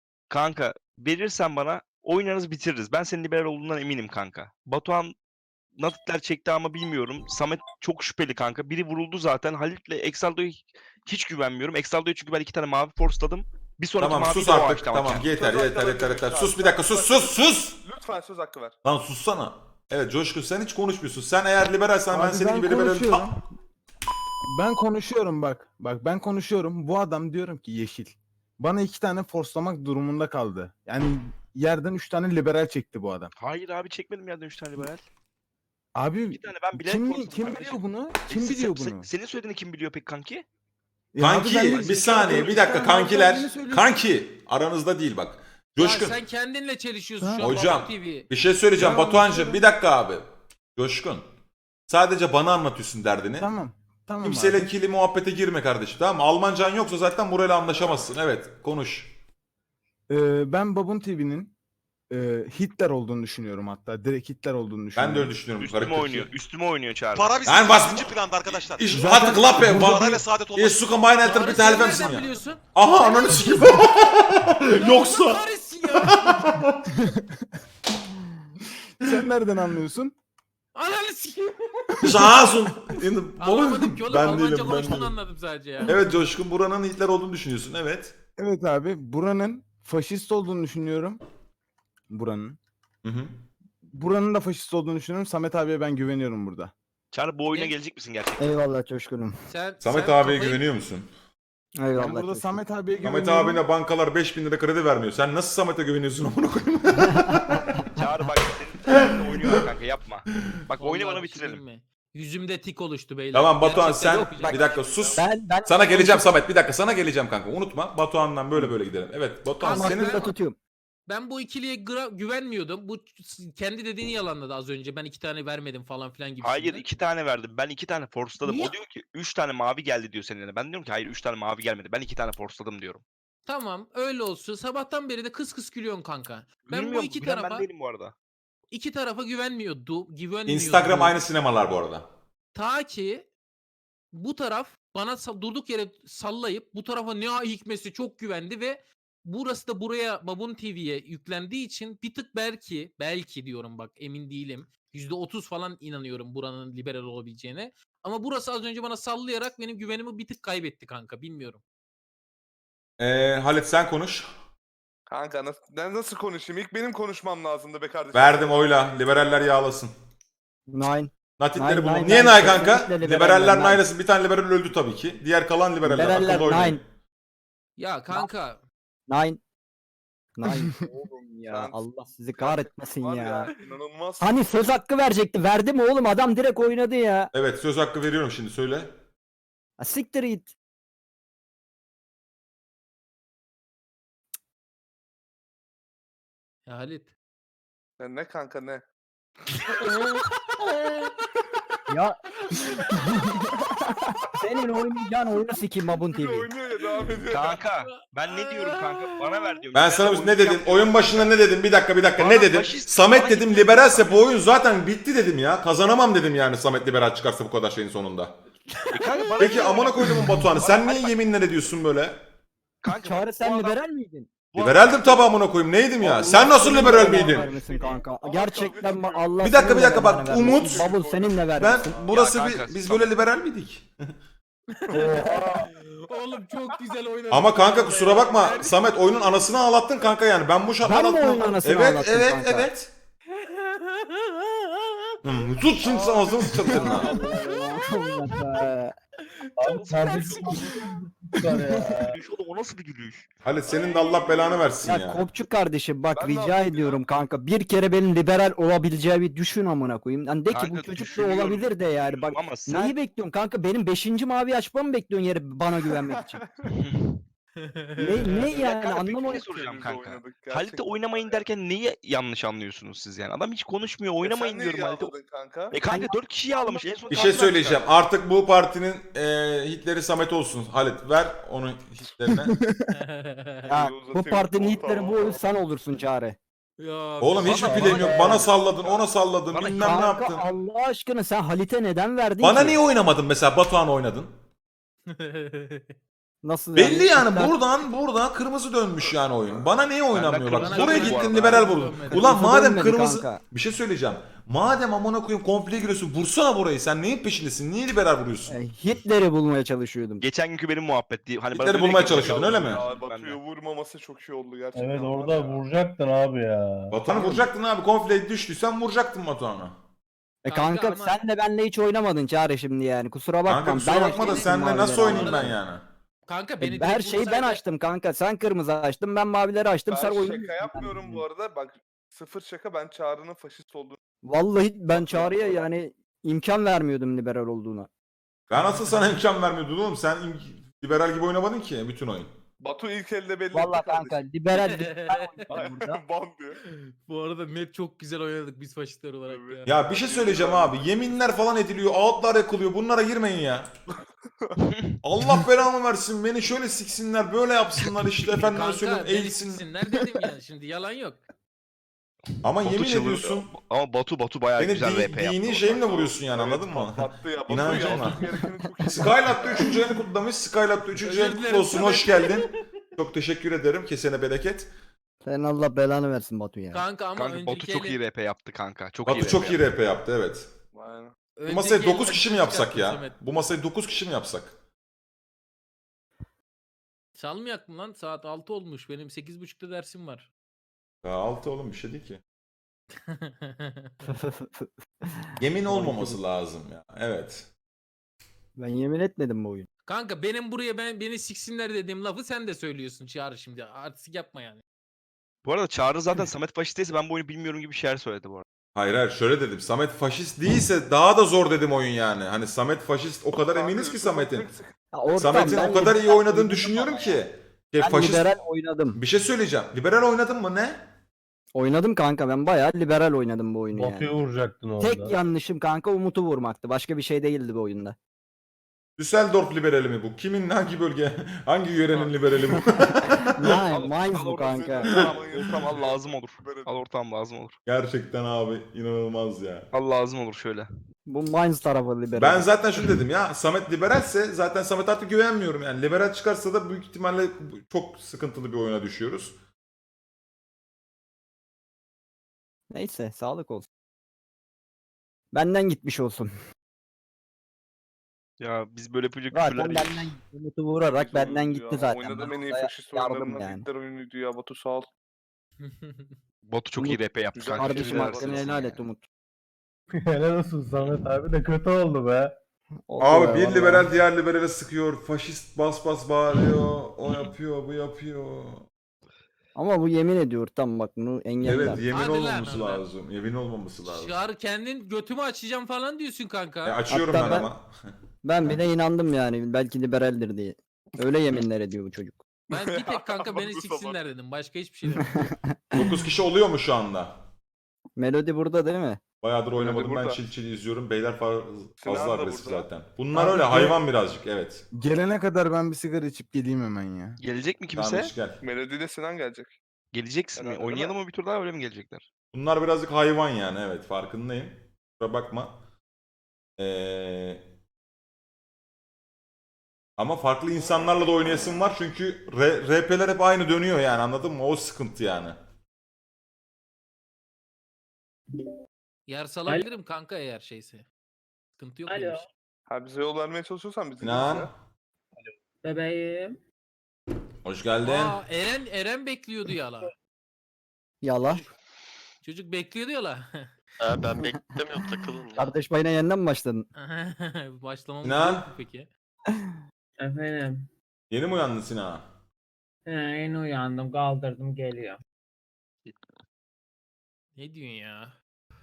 Speaker 3: Kanka verirsen bana oynarız bitiririz. Ben senin liberal olduğundan eminim kanka. Batuhan Natitler çekti ama bilmiyorum. Samet çok şüpheli kanka. Biri vuruldu zaten. Halit'le Exaldo'ya hiç güvenmiyorum. Exaldo'ya çünkü ben 2 tane mavi forsladım. Bir sonraki
Speaker 4: Tamam
Speaker 3: mavi
Speaker 4: sus
Speaker 3: de o
Speaker 4: artık.
Speaker 3: açtı ama
Speaker 4: Tamam
Speaker 3: kendi.
Speaker 4: yeter
Speaker 2: Söz
Speaker 4: yeter
Speaker 2: hakkı
Speaker 4: yeter
Speaker 2: verin.
Speaker 4: yeter. Sus bir dakika sus.
Speaker 2: Lütfen söz hakkı ver.
Speaker 4: Lan sussana. Evet Coşkun sen hiç konuşmuyorsun. Sen eğer liberalsen ben
Speaker 6: Abi
Speaker 4: senin gibi liberalim.
Speaker 6: konuşuyorum. Ben konuşuyorum bak. Bak ben konuşuyorum. Bu adam diyorum ki yeşil. Bana 2 tane forslamak durumunda kaldı. Yani yerden 3 tane liberal çekti bu adam.
Speaker 3: Hayır abi çekmedim yerden 3 tane liberal.
Speaker 6: Abi
Speaker 3: Bir tane ben bilerek
Speaker 6: kim
Speaker 3: forsladım
Speaker 6: kim
Speaker 3: kardeşim.
Speaker 6: biliyor bunu? Kim biliyor bunu?
Speaker 3: Senin söylediğini kim biliyor peki kanki?
Speaker 6: Ya abi
Speaker 4: Kanki
Speaker 6: ben de-
Speaker 4: bir saniye bir dakika
Speaker 6: Sen
Speaker 4: kankiler.
Speaker 6: kendini söylüyorsun.
Speaker 4: Kanki aranızda değil bak. Coşkun.
Speaker 1: Ya sen kendinle çelişiyorsun
Speaker 6: Ha.
Speaker 1: şu an.
Speaker 4: Hocam
Speaker 1: Babuk TV.
Speaker 4: bir şey söyleyeceğim
Speaker 6: Ya,
Speaker 4: Batuhan'cığım
Speaker 6: söyle.
Speaker 4: bir dakika abi. Coşkun. Sadece bana anlatıyorsun derdini.
Speaker 6: Tamam. Tamam
Speaker 4: Kimseyle
Speaker 6: abi.
Speaker 4: ikili muhabbete girme kardeşim tamam mı? Almancan yoksa zaten burayla anlaşamazsın. Evet konuş.
Speaker 6: Ben Babun TV'nin Hitler olduğunu düşünüyorum hatta. Direkt Hitler olduğunu düşünüyorum.
Speaker 4: Ben de öyle düşünüyorum.
Speaker 3: Üstüme
Speaker 4: Garip
Speaker 3: oynuyor.
Speaker 4: tepki.
Speaker 3: Üstüme oynuyor Çağrı.
Speaker 8: Para bizim
Speaker 4: Yani bas-
Speaker 8: ikinci planda arkadaşlar.
Speaker 4: Ich hatte Klappe.
Speaker 8: Parayla saadet olmaz.
Speaker 4: Ich suche meine Eltern
Speaker 1: Tarık,
Speaker 4: bitte
Speaker 1: sen
Speaker 4: helfen
Speaker 1: nereden
Speaker 4: Sie mir.
Speaker 1: biliyorsun?
Speaker 4: Aha ananı sikeyim.
Speaker 1: Allah
Speaker 4: Yoksa.
Speaker 1: kahretsin ya.
Speaker 6: Sen nereden anlıyorsun?
Speaker 1: Ananı sikeyim.
Speaker 4: Şahsun.
Speaker 1: Anlamadım ki oğlum.
Speaker 4: Ben
Speaker 1: Almanca
Speaker 4: değilim ben
Speaker 1: konuştuğunu
Speaker 4: değilim.
Speaker 1: anladım sadece ya.
Speaker 4: Evet Coşkun buranın Hitler olduğunu düşünüyorsun evet.
Speaker 6: Evet abi. Buranın faşist olduğunu düşünüyorum. Buranın.
Speaker 4: Hı hı.
Speaker 6: Buranın da faşist olduğunu düşünüyorum. Samet abiye ben güveniyorum burada.
Speaker 3: Çağrı bu oyuna
Speaker 1: Ne?
Speaker 3: gelecek misin gerçekten?
Speaker 5: Eyvallah Coşkun'um.
Speaker 1: Sen,
Speaker 4: Samet
Speaker 1: sen
Speaker 4: abiye
Speaker 1: kafayı-
Speaker 4: güveniyor musun?
Speaker 5: Eyvallah.
Speaker 6: Ben burada
Speaker 5: Coşkun.
Speaker 6: Samet abiye
Speaker 4: Samet
Speaker 6: güveniyorum.
Speaker 4: abine bankalar 5.000 lira kredi vermiyor. Sen nasıl Samet'e güveniyorsun amına koyayım?
Speaker 3: Çağrı bak senin oynuyor kanka yapma. Bak oyunu
Speaker 1: Vallahi
Speaker 3: bana
Speaker 1: bir şey
Speaker 3: bitirelim.
Speaker 1: diyeyim mi? Yüzümde tik oluştu beyler.
Speaker 4: Tamam Batuhan
Speaker 1: Gerçekten
Speaker 4: sen
Speaker 1: yok ya.
Speaker 4: bir dakika sus.
Speaker 5: Ben
Speaker 4: Sana geleceğim Samet bir dakika sana geleceğim kanka unutma. Batuhan'dan böyle gidelim. Evet Batuhan
Speaker 1: Tamam,
Speaker 4: senin
Speaker 5: aklımda tutuyorum.
Speaker 1: Ben bu ikiliye güvenmiyordum. Bu kendi dediğini yalanladı az önce. Ben 2 tane vermedim falan filan gibi.
Speaker 3: Hayır 2 tane verdim. Ben 2 tane forsladım.
Speaker 1: Niye?
Speaker 3: O diyor ki 3 tane mavi geldi diyor seninle. Ben diyorum ki hayır 3 tane mavi gelmedi. Ben 2 tane forsladım diyorum.
Speaker 1: Tamam öyle olsun. Sabahtan beri de kıs kıs gülüyorsun kanka. Ben bu
Speaker 3: Bilmiyorum,
Speaker 1: iki
Speaker 3: gülen
Speaker 1: tarafa
Speaker 3: ben değilim bu arada.
Speaker 1: güvenmiyordum.
Speaker 4: Instagram aynı sinemalar bu arada.
Speaker 1: Ta ki bu taraf bana durduk yere sallayıp bu tarafa ne hikmesi çok güvendi ve burası da buraya Babun TV'ye yüklendiği için bir tık belki diyorum bak emin değilim. %30 falan inanıyorum buranın liberal olabileceğine. Ama burası az önce bana sallayarak benim güvenimi bir tık kaybetti kanka bilmiyorum.
Speaker 4: Halit sen konuş.
Speaker 2: Kanka ben nasıl konuşayım? İlk benim konuşmam lazımdı be kardeşim.
Speaker 4: Verdim oyla. Liberaller yağlasın.
Speaker 5: Nine.
Speaker 4: Natitleri
Speaker 5: Nine,
Speaker 4: bulun.
Speaker 5: nine,
Speaker 4: Niye
Speaker 5: nine.
Speaker 4: nay kanka?
Speaker 5: Kesinlikle
Speaker 4: Liberaller
Speaker 5: liberaller, nine.
Speaker 4: naylasın. Bir tane liberal öldü tabii ki. Diğer kalan liberaller.
Speaker 5: Liberaller
Speaker 4: Akıllı oynayın.
Speaker 5: nine.
Speaker 1: Ya kanka
Speaker 5: Nine. Nine. Oğlum ya
Speaker 2: Sen-
Speaker 5: Allah sizi kahretmesin
Speaker 2: Var
Speaker 5: ya.
Speaker 2: İnanılmaz.
Speaker 5: Hani söz hakkı verecekti. Verdi mi oğlum? Adam direkt oynadı ya.
Speaker 4: Evet söz hakkı veriyorum şimdi söyle.
Speaker 5: Ha, siktir git.
Speaker 1: ya Halit.
Speaker 2: Sen ne kanka ne?
Speaker 5: Ya. Senin oynayacağın oyunu sikeyim Babun TV.
Speaker 2: Oynuyor ya devam ediyor.
Speaker 3: Kanka ben ne diyorum kanka? Bana ver diyorum.
Speaker 4: Ben sana ne dedim?
Speaker 3: oynayacağım
Speaker 4: Oyun başında ne dedim? Bir dakika.
Speaker 3: Bana
Speaker 4: Ne dedim?
Speaker 3: faşist-
Speaker 4: Samet
Speaker 3: bana
Speaker 4: dedim
Speaker 3: Hitler
Speaker 4: liberalse
Speaker 3: diyorlar.
Speaker 4: bu oyun zaten bitti dedim ya. Kazanamam dedim yani Samet liberal çıkarsa bu kadar şeyin sonunda.
Speaker 3: Kanka, bana
Speaker 4: Peki
Speaker 3: niye
Speaker 4: amına
Speaker 3: oynuyorsun?
Speaker 4: koydum Batuhan'ı. Sen
Speaker 3: Bana-
Speaker 4: niye yeminler ediyorsun böyle?
Speaker 3: Kanka,
Speaker 5: Çağrı
Speaker 3: bu
Speaker 5: sen
Speaker 3: adam-
Speaker 5: liberal miydin?
Speaker 3: bu
Speaker 4: Liberaldim
Speaker 3: adam-
Speaker 4: tabi amına koyayım. Neydim ya?
Speaker 5: Allah
Speaker 4: Sen nasıl
Speaker 5: senin
Speaker 4: liberal
Speaker 5: belanı
Speaker 4: miydin?
Speaker 5: vermesin kanka. Gerçekten Allah
Speaker 4: Bir dakika,
Speaker 5: senin
Speaker 4: bir dakika,
Speaker 5: de
Speaker 4: bak,
Speaker 5: belanı vermesin.
Speaker 4: Umut-
Speaker 5: Babul seninle
Speaker 4: Ben
Speaker 5: vermesin.
Speaker 4: burası
Speaker 3: Ya kanka,
Speaker 4: biz
Speaker 3: Samet-
Speaker 4: böyle liberal miydik?
Speaker 1: Oğlum çok güzel oynadın.
Speaker 4: Ama kanka kusura bakma Samet oyunun anasını ağlattın kanka yani. Ben bu şartlar
Speaker 5: Ben mi
Speaker 4: altında-
Speaker 5: oyunun anasını
Speaker 4: Evet
Speaker 5: ağlattım
Speaker 4: evet
Speaker 5: kanka?
Speaker 4: evet. Tut şimdi sen ağzını sıçratın ha.
Speaker 7: Abi kardeşim
Speaker 3: Gülüş oğlum, o nasıl bir gülüş?
Speaker 4: Halit senin de Allah belanı versin
Speaker 5: Ya
Speaker 4: ya.
Speaker 5: Kopçuk kardeşim bak
Speaker 2: Ben ne
Speaker 5: rica
Speaker 2: yapayım ya?
Speaker 5: ediyorum kanka. Bir kere benim liberal olabileceği bir düşün amına koyayım. Yani de ki
Speaker 3: Kanka,
Speaker 5: bu çocuk da
Speaker 3: düşünüyorum,
Speaker 5: olabilir de yani. Bak
Speaker 3: Ama sen
Speaker 5: neyi bekliyorsun kanka? Benim 5. mavi açmamı mı bekliyorsun yere bana güvenmek için? ne
Speaker 3: Ya
Speaker 5: yani
Speaker 3: kanka, peki ne
Speaker 5: anlamadım.
Speaker 3: soracağım
Speaker 2: Kendimize
Speaker 3: kanka?
Speaker 2: oynadık
Speaker 3: Halit'e
Speaker 2: gerçekten.
Speaker 3: oynamayın derken neyi yanlış anlıyorsunuz siz yani? Adam hiç konuşmuyor, oynamayın
Speaker 2: Sen
Speaker 3: diyorum
Speaker 2: neyi
Speaker 3: Halit'e.
Speaker 2: yağladın kanka?
Speaker 3: Kanka 4 kişi yağlamış. En son
Speaker 4: Bir şey
Speaker 3: Tanrı'dan
Speaker 4: söyleyeceğim.
Speaker 3: çıkardı.
Speaker 4: Artık bu partinin Hitler'i Samet olsun. Halit ver onu Hitler'ine.
Speaker 5: Ya, bu
Speaker 2: Uzatayım,
Speaker 5: partinin
Speaker 2: tamam,
Speaker 5: Hitler'i bu
Speaker 2: tamam.
Speaker 5: oyun sen olursun Çağrı.
Speaker 1: Ya,
Speaker 4: Oğlum hiç mi
Speaker 3: Bana-
Speaker 4: plan yok?
Speaker 3: bana-
Speaker 4: Bana salladın, ona salladın,
Speaker 3: Bana-
Speaker 4: bilmem ne
Speaker 5: Kanka
Speaker 4: yaptın.
Speaker 5: Allah aşkına sen Halit'e neden verdin
Speaker 4: Bana
Speaker 5: ki?
Speaker 4: niye oynamadın mesela? Batuhan oynadın.
Speaker 5: Nasıl
Speaker 4: Belli yani
Speaker 5: İster-
Speaker 4: buradan kırmızı dönmüş yani oyun. Bana niye oynamıyor
Speaker 3: kırmızı
Speaker 4: bak. Buraya
Speaker 3: dönmedi bu
Speaker 4: gittin
Speaker 3: arada.
Speaker 4: liberal vurdun.
Speaker 1: Dönmedi.
Speaker 4: Ulan
Speaker 5: Kırmızı
Speaker 4: madem
Speaker 5: dönmedi
Speaker 4: kırmızı
Speaker 5: kanka.
Speaker 4: bir şey söyleyeceğim. Madem amına koyayım komple giriyorsun vursana burayı. Sen neyin peşindesin? Niye liberal vuruyorsun?
Speaker 5: Hitler'i bulmaya çalışıyordum.
Speaker 3: Geçen günkü benim muhabbetti. Hani bana
Speaker 4: Hitler'i
Speaker 3: dedi
Speaker 4: bulmaya
Speaker 3: ki-
Speaker 4: çalışıyordun, öyle mi?
Speaker 2: Ya
Speaker 3: Ben de.
Speaker 2: Batu'yu vurmaması çok iyi oldu gerçekten.
Speaker 7: Evet
Speaker 2: var
Speaker 7: orada
Speaker 2: ya.
Speaker 7: vuracaktın abi ya.
Speaker 4: Batuhan'ı vuracaktın abi. Komple düştüysen vuracaktın Batuhan'ı.
Speaker 1: Kanka
Speaker 5: Kanka
Speaker 1: ama-
Speaker 5: sen de benle hiç oynamadın Çağrı şimdi yani. Kusura bakma.
Speaker 4: Kanka kusura bakma da
Speaker 5: açtım
Speaker 4: senle
Speaker 5: mavileri
Speaker 4: nasıl oynayayım
Speaker 5: ama.
Speaker 4: ben yani?
Speaker 1: Kanka beni
Speaker 5: Her
Speaker 1: direkt
Speaker 5: şeyi ben
Speaker 1: vursaydı-
Speaker 5: açtım kanka. Sen kırmızı açtın, ben mavileri açtım. Sen
Speaker 2: Ben
Speaker 5: oyunu.
Speaker 2: şaka yapmıyorum bu arada. Bak sıfır şaka, ben Çağrı'nın faşist olduğunu.
Speaker 5: Vallahi ben Çağrı'ya yani imkan vermiyordum liberal olduğuna.
Speaker 4: Ben asıl sana imkan vermiyordum oğlum. Sen liberal gibi oynamadın ki bütün oyun.
Speaker 2: Batu ilk elde belli
Speaker 5: Vallahi
Speaker 2: etti
Speaker 5: kanka
Speaker 2: kardeşim.
Speaker 5: liberal burada.
Speaker 2: Bam diyor.
Speaker 1: Bu arada net çok güzel oynadık biz faşistler olarak
Speaker 2: Evet.
Speaker 1: ya.
Speaker 4: Ya bir şey söyleyeceğim abi. Yeminler falan ediliyor. Outlar yakılıyor. Bunlara girmeyin ya. Allah belamı versin. Beni şöyle siksinler. Böyle yapsınlar işte. Efendim
Speaker 1: Kanka
Speaker 4: söyleyeyim
Speaker 1: beni
Speaker 4: eğilsin.
Speaker 1: siksinler dedim ya şimdi yalan yok.
Speaker 4: Ama
Speaker 3: Batu
Speaker 4: yemin
Speaker 3: çıldır-
Speaker 4: ediyorsun.
Speaker 3: Ama Batu bayağı
Speaker 4: Beni
Speaker 3: güzel RP yaptı.
Speaker 4: dini şeyimle vuruyorsun yani anladın mı?
Speaker 2: Patlattı ya. Batu
Speaker 4: İnancımla.
Speaker 2: yapması gerekeni çok iyi.
Speaker 4: Skylab'da 3. ayını kutlamış. Skylab'da 3.
Speaker 1: Özür
Speaker 4: ayını
Speaker 1: dilerim
Speaker 4: kutlu olsun.
Speaker 1: Samet.
Speaker 4: Hoş geldin. Çok teşekkür ederim. Kesene bereket.
Speaker 5: Sen Allah belanı versin Batu ya.
Speaker 1: Kanka ama
Speaker 3: Kanka Batu çok iyi RP yaptı kanka. Çok iyi
Speaker 4: Batu
Speaker 3: RP
Speaker 4: çok iyi
Speaker 3: yaptı.
Speaker 4: RP yaptı evet.
Speaker 2: Aynen.
Speaker 4: Bu masayı 9 kişi mi yapsak ya? Bu masayı 9 kişi mi yapsak?
Speaker 1: Çalmayak mı lan? Saat 6 olmuş. Benim 8.30'da dersim var.
Speaker 4: Ya 6 oğlum bir şey değil ki. Yemin olmaması lazım ya. Evet.
Speaker 5: Ben yemin etmedim bu oyun.
Speaker 1: Kanka benim buraya beni siksinler dediğim lafı sen de söylüyorsun Çağrı şimdi. Artistik yapma yani.
Speaker 3: Bu arada Çağrı zaten Samet faşist değilse ben bu oyunu bilmiyorum gibi şeyler söyledi bu arada.
Speaker 4: Hayır şöyle dedim. Samet faşist değilse daha da zor dedim oyun yani. Hani Samet faşist o kadar eminiz ki Samet'in.
Speaker 5: Ya ortam,
Speaker 4: Samet'in
Speaker 5: ben
Speaker 4: o kadar iyi
Speaker 5: liberal
Speaker 4: oynadığını
Speaker 5: oynadım
Speaker 4: düşünüyorum
Speaker 5: ama
Speaker 4: ki.
Speaker 5: ya. Ben
Speaker 4: Faşist...
Speaker 5: liberal oynadım.
Speaker 4: Bir şey söyleyeceğim. Liberal oynadın mı ne?
Speaker 5: Oynadım kanka, ben bayağı liberal oynadım bu oyunu
Speaker 7: Batu'yu
Speaker 5: yani.
Speaker 7: vuracaktın orada.
Speaker 5: Tek yanlışım kanka Umut'u vurmaktı. Başka bir şey değildi bu oyunda.
Speaker 4: Düsseldorf liberali mi bu? Kimin hangi bölge? Hangi yörenin liberali bu?
Speaker 5: Mainz bu kanka.
Speaker 3: Ortam al lazım olur. Al ortam lazım olur.
Speaker 4: Gerçekten abi inanılmaz ya.
Speaker 3: Al lazım olur şöyle.
Speaker 5: Bu Mainz tarafı liberal.
Speaker 4: Ben zaten şunu dedim ya Samet liberalse zaten Samet artık güvenmiyorum yani. Liberal çıkarsa da büyük ihtimalle çok sıkıntılı bir oyuna düşüyoruz.
Speaker 5: Neyse sağlık olsun. Benden gitmiş olsun.
Speaker 3: Ya biz böyle yapacak
Speaker 5: Zaten
Speaker 3: küfürler
Speaker 5: benden Umut'u vurarak benden gitti zaten.
Speaker 2: Oynadığım en iyi
Speaker 5: Ben
Speaker 2: faşist
Speaker 5: yardım
Speaker 2: oyunlarından
Speaker 5: yani.
Speaker 2: Hitler oyunuydu ya Batu, sağ ol.
Speaker 3: Batu çok iyi RP yaptı
Speaker 2: Güzel
Speaker 3: kanka.
Speaker 5: Kardeşim
Speaker 2: Helal
Speaker 5: hakkını
Speaker 2: olsun
Speaker 5: helal
Speaker 3: ya.
Speaker 5: et Umut.
Speaker 7: Helal olsun Samet abi de kötü oldu be.
Speaker 5: Oldu
Speaker 4: Abi
Speaker 5: be,
Speaker 4: bir
Speaker 5: vallahi.
Speaker 4: liberal diğer liberale sıkıyor. Faşist bas bas bağırıyor. O yapıyor bu yapıyor.
Speaker 5: Ama bu yemin ediyor tam bak bunu engeller.
Speaker 4: Evet yemin
Speaker 1: Hadi lan
Speaker 4: olmaması
Speaker 1: oradan.
Speaker 4: lazım. Yemin olmaması lazım.
Speaker 1: Çağrı kendin götümü açacağım falan diyorsun kanka.
Speaker 4: Açıyorum
Speaker 5: Hatta
Speaker 4: ben
Speaker 5: ben-
Speaker 4: ama.
Speaker 5: Ben bile inandım yani belki liberaldir diye. Öyle yeminler ediyor bu çocuk.
Speaker 1: Ben bir tek kanka beni
Speaker 2: Bu sabah.
Speaker 1: siksinler dedim. Başka hiçbir şey demedim.
Speaker 4: 9 kişi oluyor mu şu anda?
Speaker 5: Melodi burada değil mi?
Speaker 4: Bayağıdır oynamadım ben
Speaker 2: burada.
Speaker 4: çil çil izliyorum. Beyler
Speaker 2: Sinan
Speaker 4: fazla
Speaker 2: da
Speaker 4: agresif
Speaker 2: burada.
Speaker 4: zaten. Bunlar
Speaker 6: Abi
Speaker 4: öyle
Speaker 6: bu-
Speaker 4: hayvan birazcık evet.
Speaker 6: Gelene kadar ben bir sigara içip geleyim hemen ya.
Speaker 3: Gelecek mi kimse?
Speaker 4: Tamam hiç gel.
Speaker 2: Melodiyle Sinan gelecek.
Speaker 3: Geleceksin mi?
Speaker 2: Herhalde, değil
Speaker 3: Oynayalım mı bir tur daha öyle mi gelecekler?
Speaker 4: Bunlar birazcık hayvan yani evet farkındayım. Kusura bakma. Ama farklı insanlarla da oynayasım var çünkü RP'ler hep aynı dönüyor yani anladın mı? O sıkıntı yani.
Speaker 1: Yer salabilirim kanka eğer şeyse. Sıkıntı yok benim
Speaker 8: Alo.
Speaker 1: için.
Speaker 2: Ha bize yol vermeye çalışıyorsan bizi
Speaker 4: Sinan
Speaker 8: Bebeğim.
Speaker 4: hoş geldin.
Speaker 1: Aa, Eren bekliyordu yala.
Speaker 5: Yala.
Speaker 1: Çocuk bekliyordu yala.
Speaker 9: Ben beklemiyorum takılın ya.
Speaker 5: Kardeş payına yeniden mi başladın?
Speaker 1: Başlamamız
Speaker 4: Sinan.
Speaker 1: yok mu peki?
Speaker 8: Efendim.
Speaker 4: Yeni mi uyandın Sinan?
Speaker 8: Yeni uyandım, kaldırdım, geliyor.
Speaker 1: Ne diyorsun ya?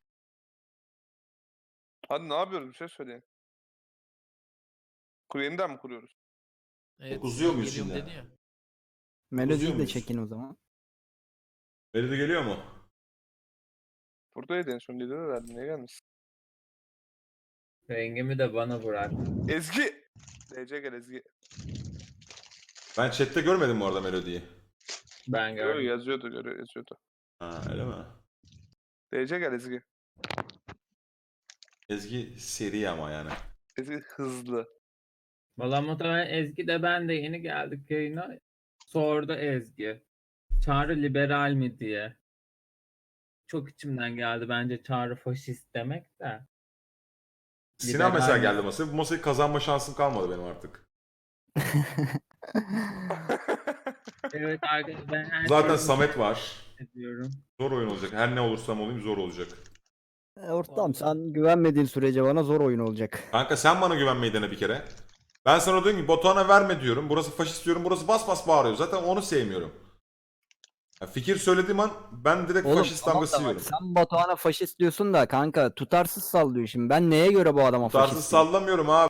Speaker 2: Hadi ne yapıyoruz, bir şey söyleyin. Yeniden mi kuruyoruz?
Speaker 1: Evet,
Speaker 4: Uzuyor
Speaker 1: Sinan
Speaker 4: muyuz
Speaker 1: geliyorum
Speaker 4: şimdi?
Speaker 1: dedi ya.
Speaker 5: Melodiyi de
Speaker 4: muyuz?
Speaker 5: çekin o zaman.
Speaker 4: Melodi geliyor mu?
Speaker 2: Buradaydı en son, dedi herhalde, niye gelmişsin?
Speaker 8: Rengimi de bana bırak.
Speaker 2: Ezgi! DC gel Ezgi.
Speaker 4: Ben chatte görmedim bu arada Melodi'yi.
Speaker 8: Ben
Speaker 2: Görüyor,
Speaker 8: gördüm.
Speaker 2: yazıyordu.
Speaker 4: Ha öyle mi?
Speaker 2: DC gel Ezgi.
Speaker 4: Ezgi seri ama yani.
Speaker 2: Ezgi hızlı.
Speaker 8: Valla muhtemelen Ezgi de ben de yeni geldik yayına. Sordu Ezgi. Çağrı liberal mi diye. Çok içimden geldi bence Çağrı faşist demek de.
Speaker 4: Sinan mesela
Speaker 8: Liberal mi?
Speaker 4: geldi masaya. Bu masayı kazanma şansım kalmadı benim artık.
Speaker 8: Evet arkadaşlar ben her
Speaker 4: Zaten
Speaker 8: şeyi
Speaker 4: Samet var.
Speaker 8: ediyorum.
Speaker 4: Zor oyun olacak. Her ne olursam olayım zor olacak.
Speaker 5: Ortam sen güvenmediğin sürece bana zor oyun olacak.
Speaker 4: Kanka sen bana güvenmeyi dene bir kere. Ben sana diyorum ki Batuhan'a verme diyorum. Burası faşist diyorum. Burası bas bas bağırıyor. Zaten onu sevmiyorum. Ya fikir söylediğim an ben direkt
Speaker 5: Oğlum
Speaker 4: faşist
Speaker 5: tamam
Speaker 4: damgası
Speaker 5: da bak,
Speaker 4: yiyorum.
Speaker 5: sen Batuhan'a faşist diyorsun da kanka tutarsız sallıyor şimdi. Ben neye göre bu adama
Speaker 4: Tutarsız
Speaker 5: faşist diyeyim?
Speaker 4: sallamıyorum abi.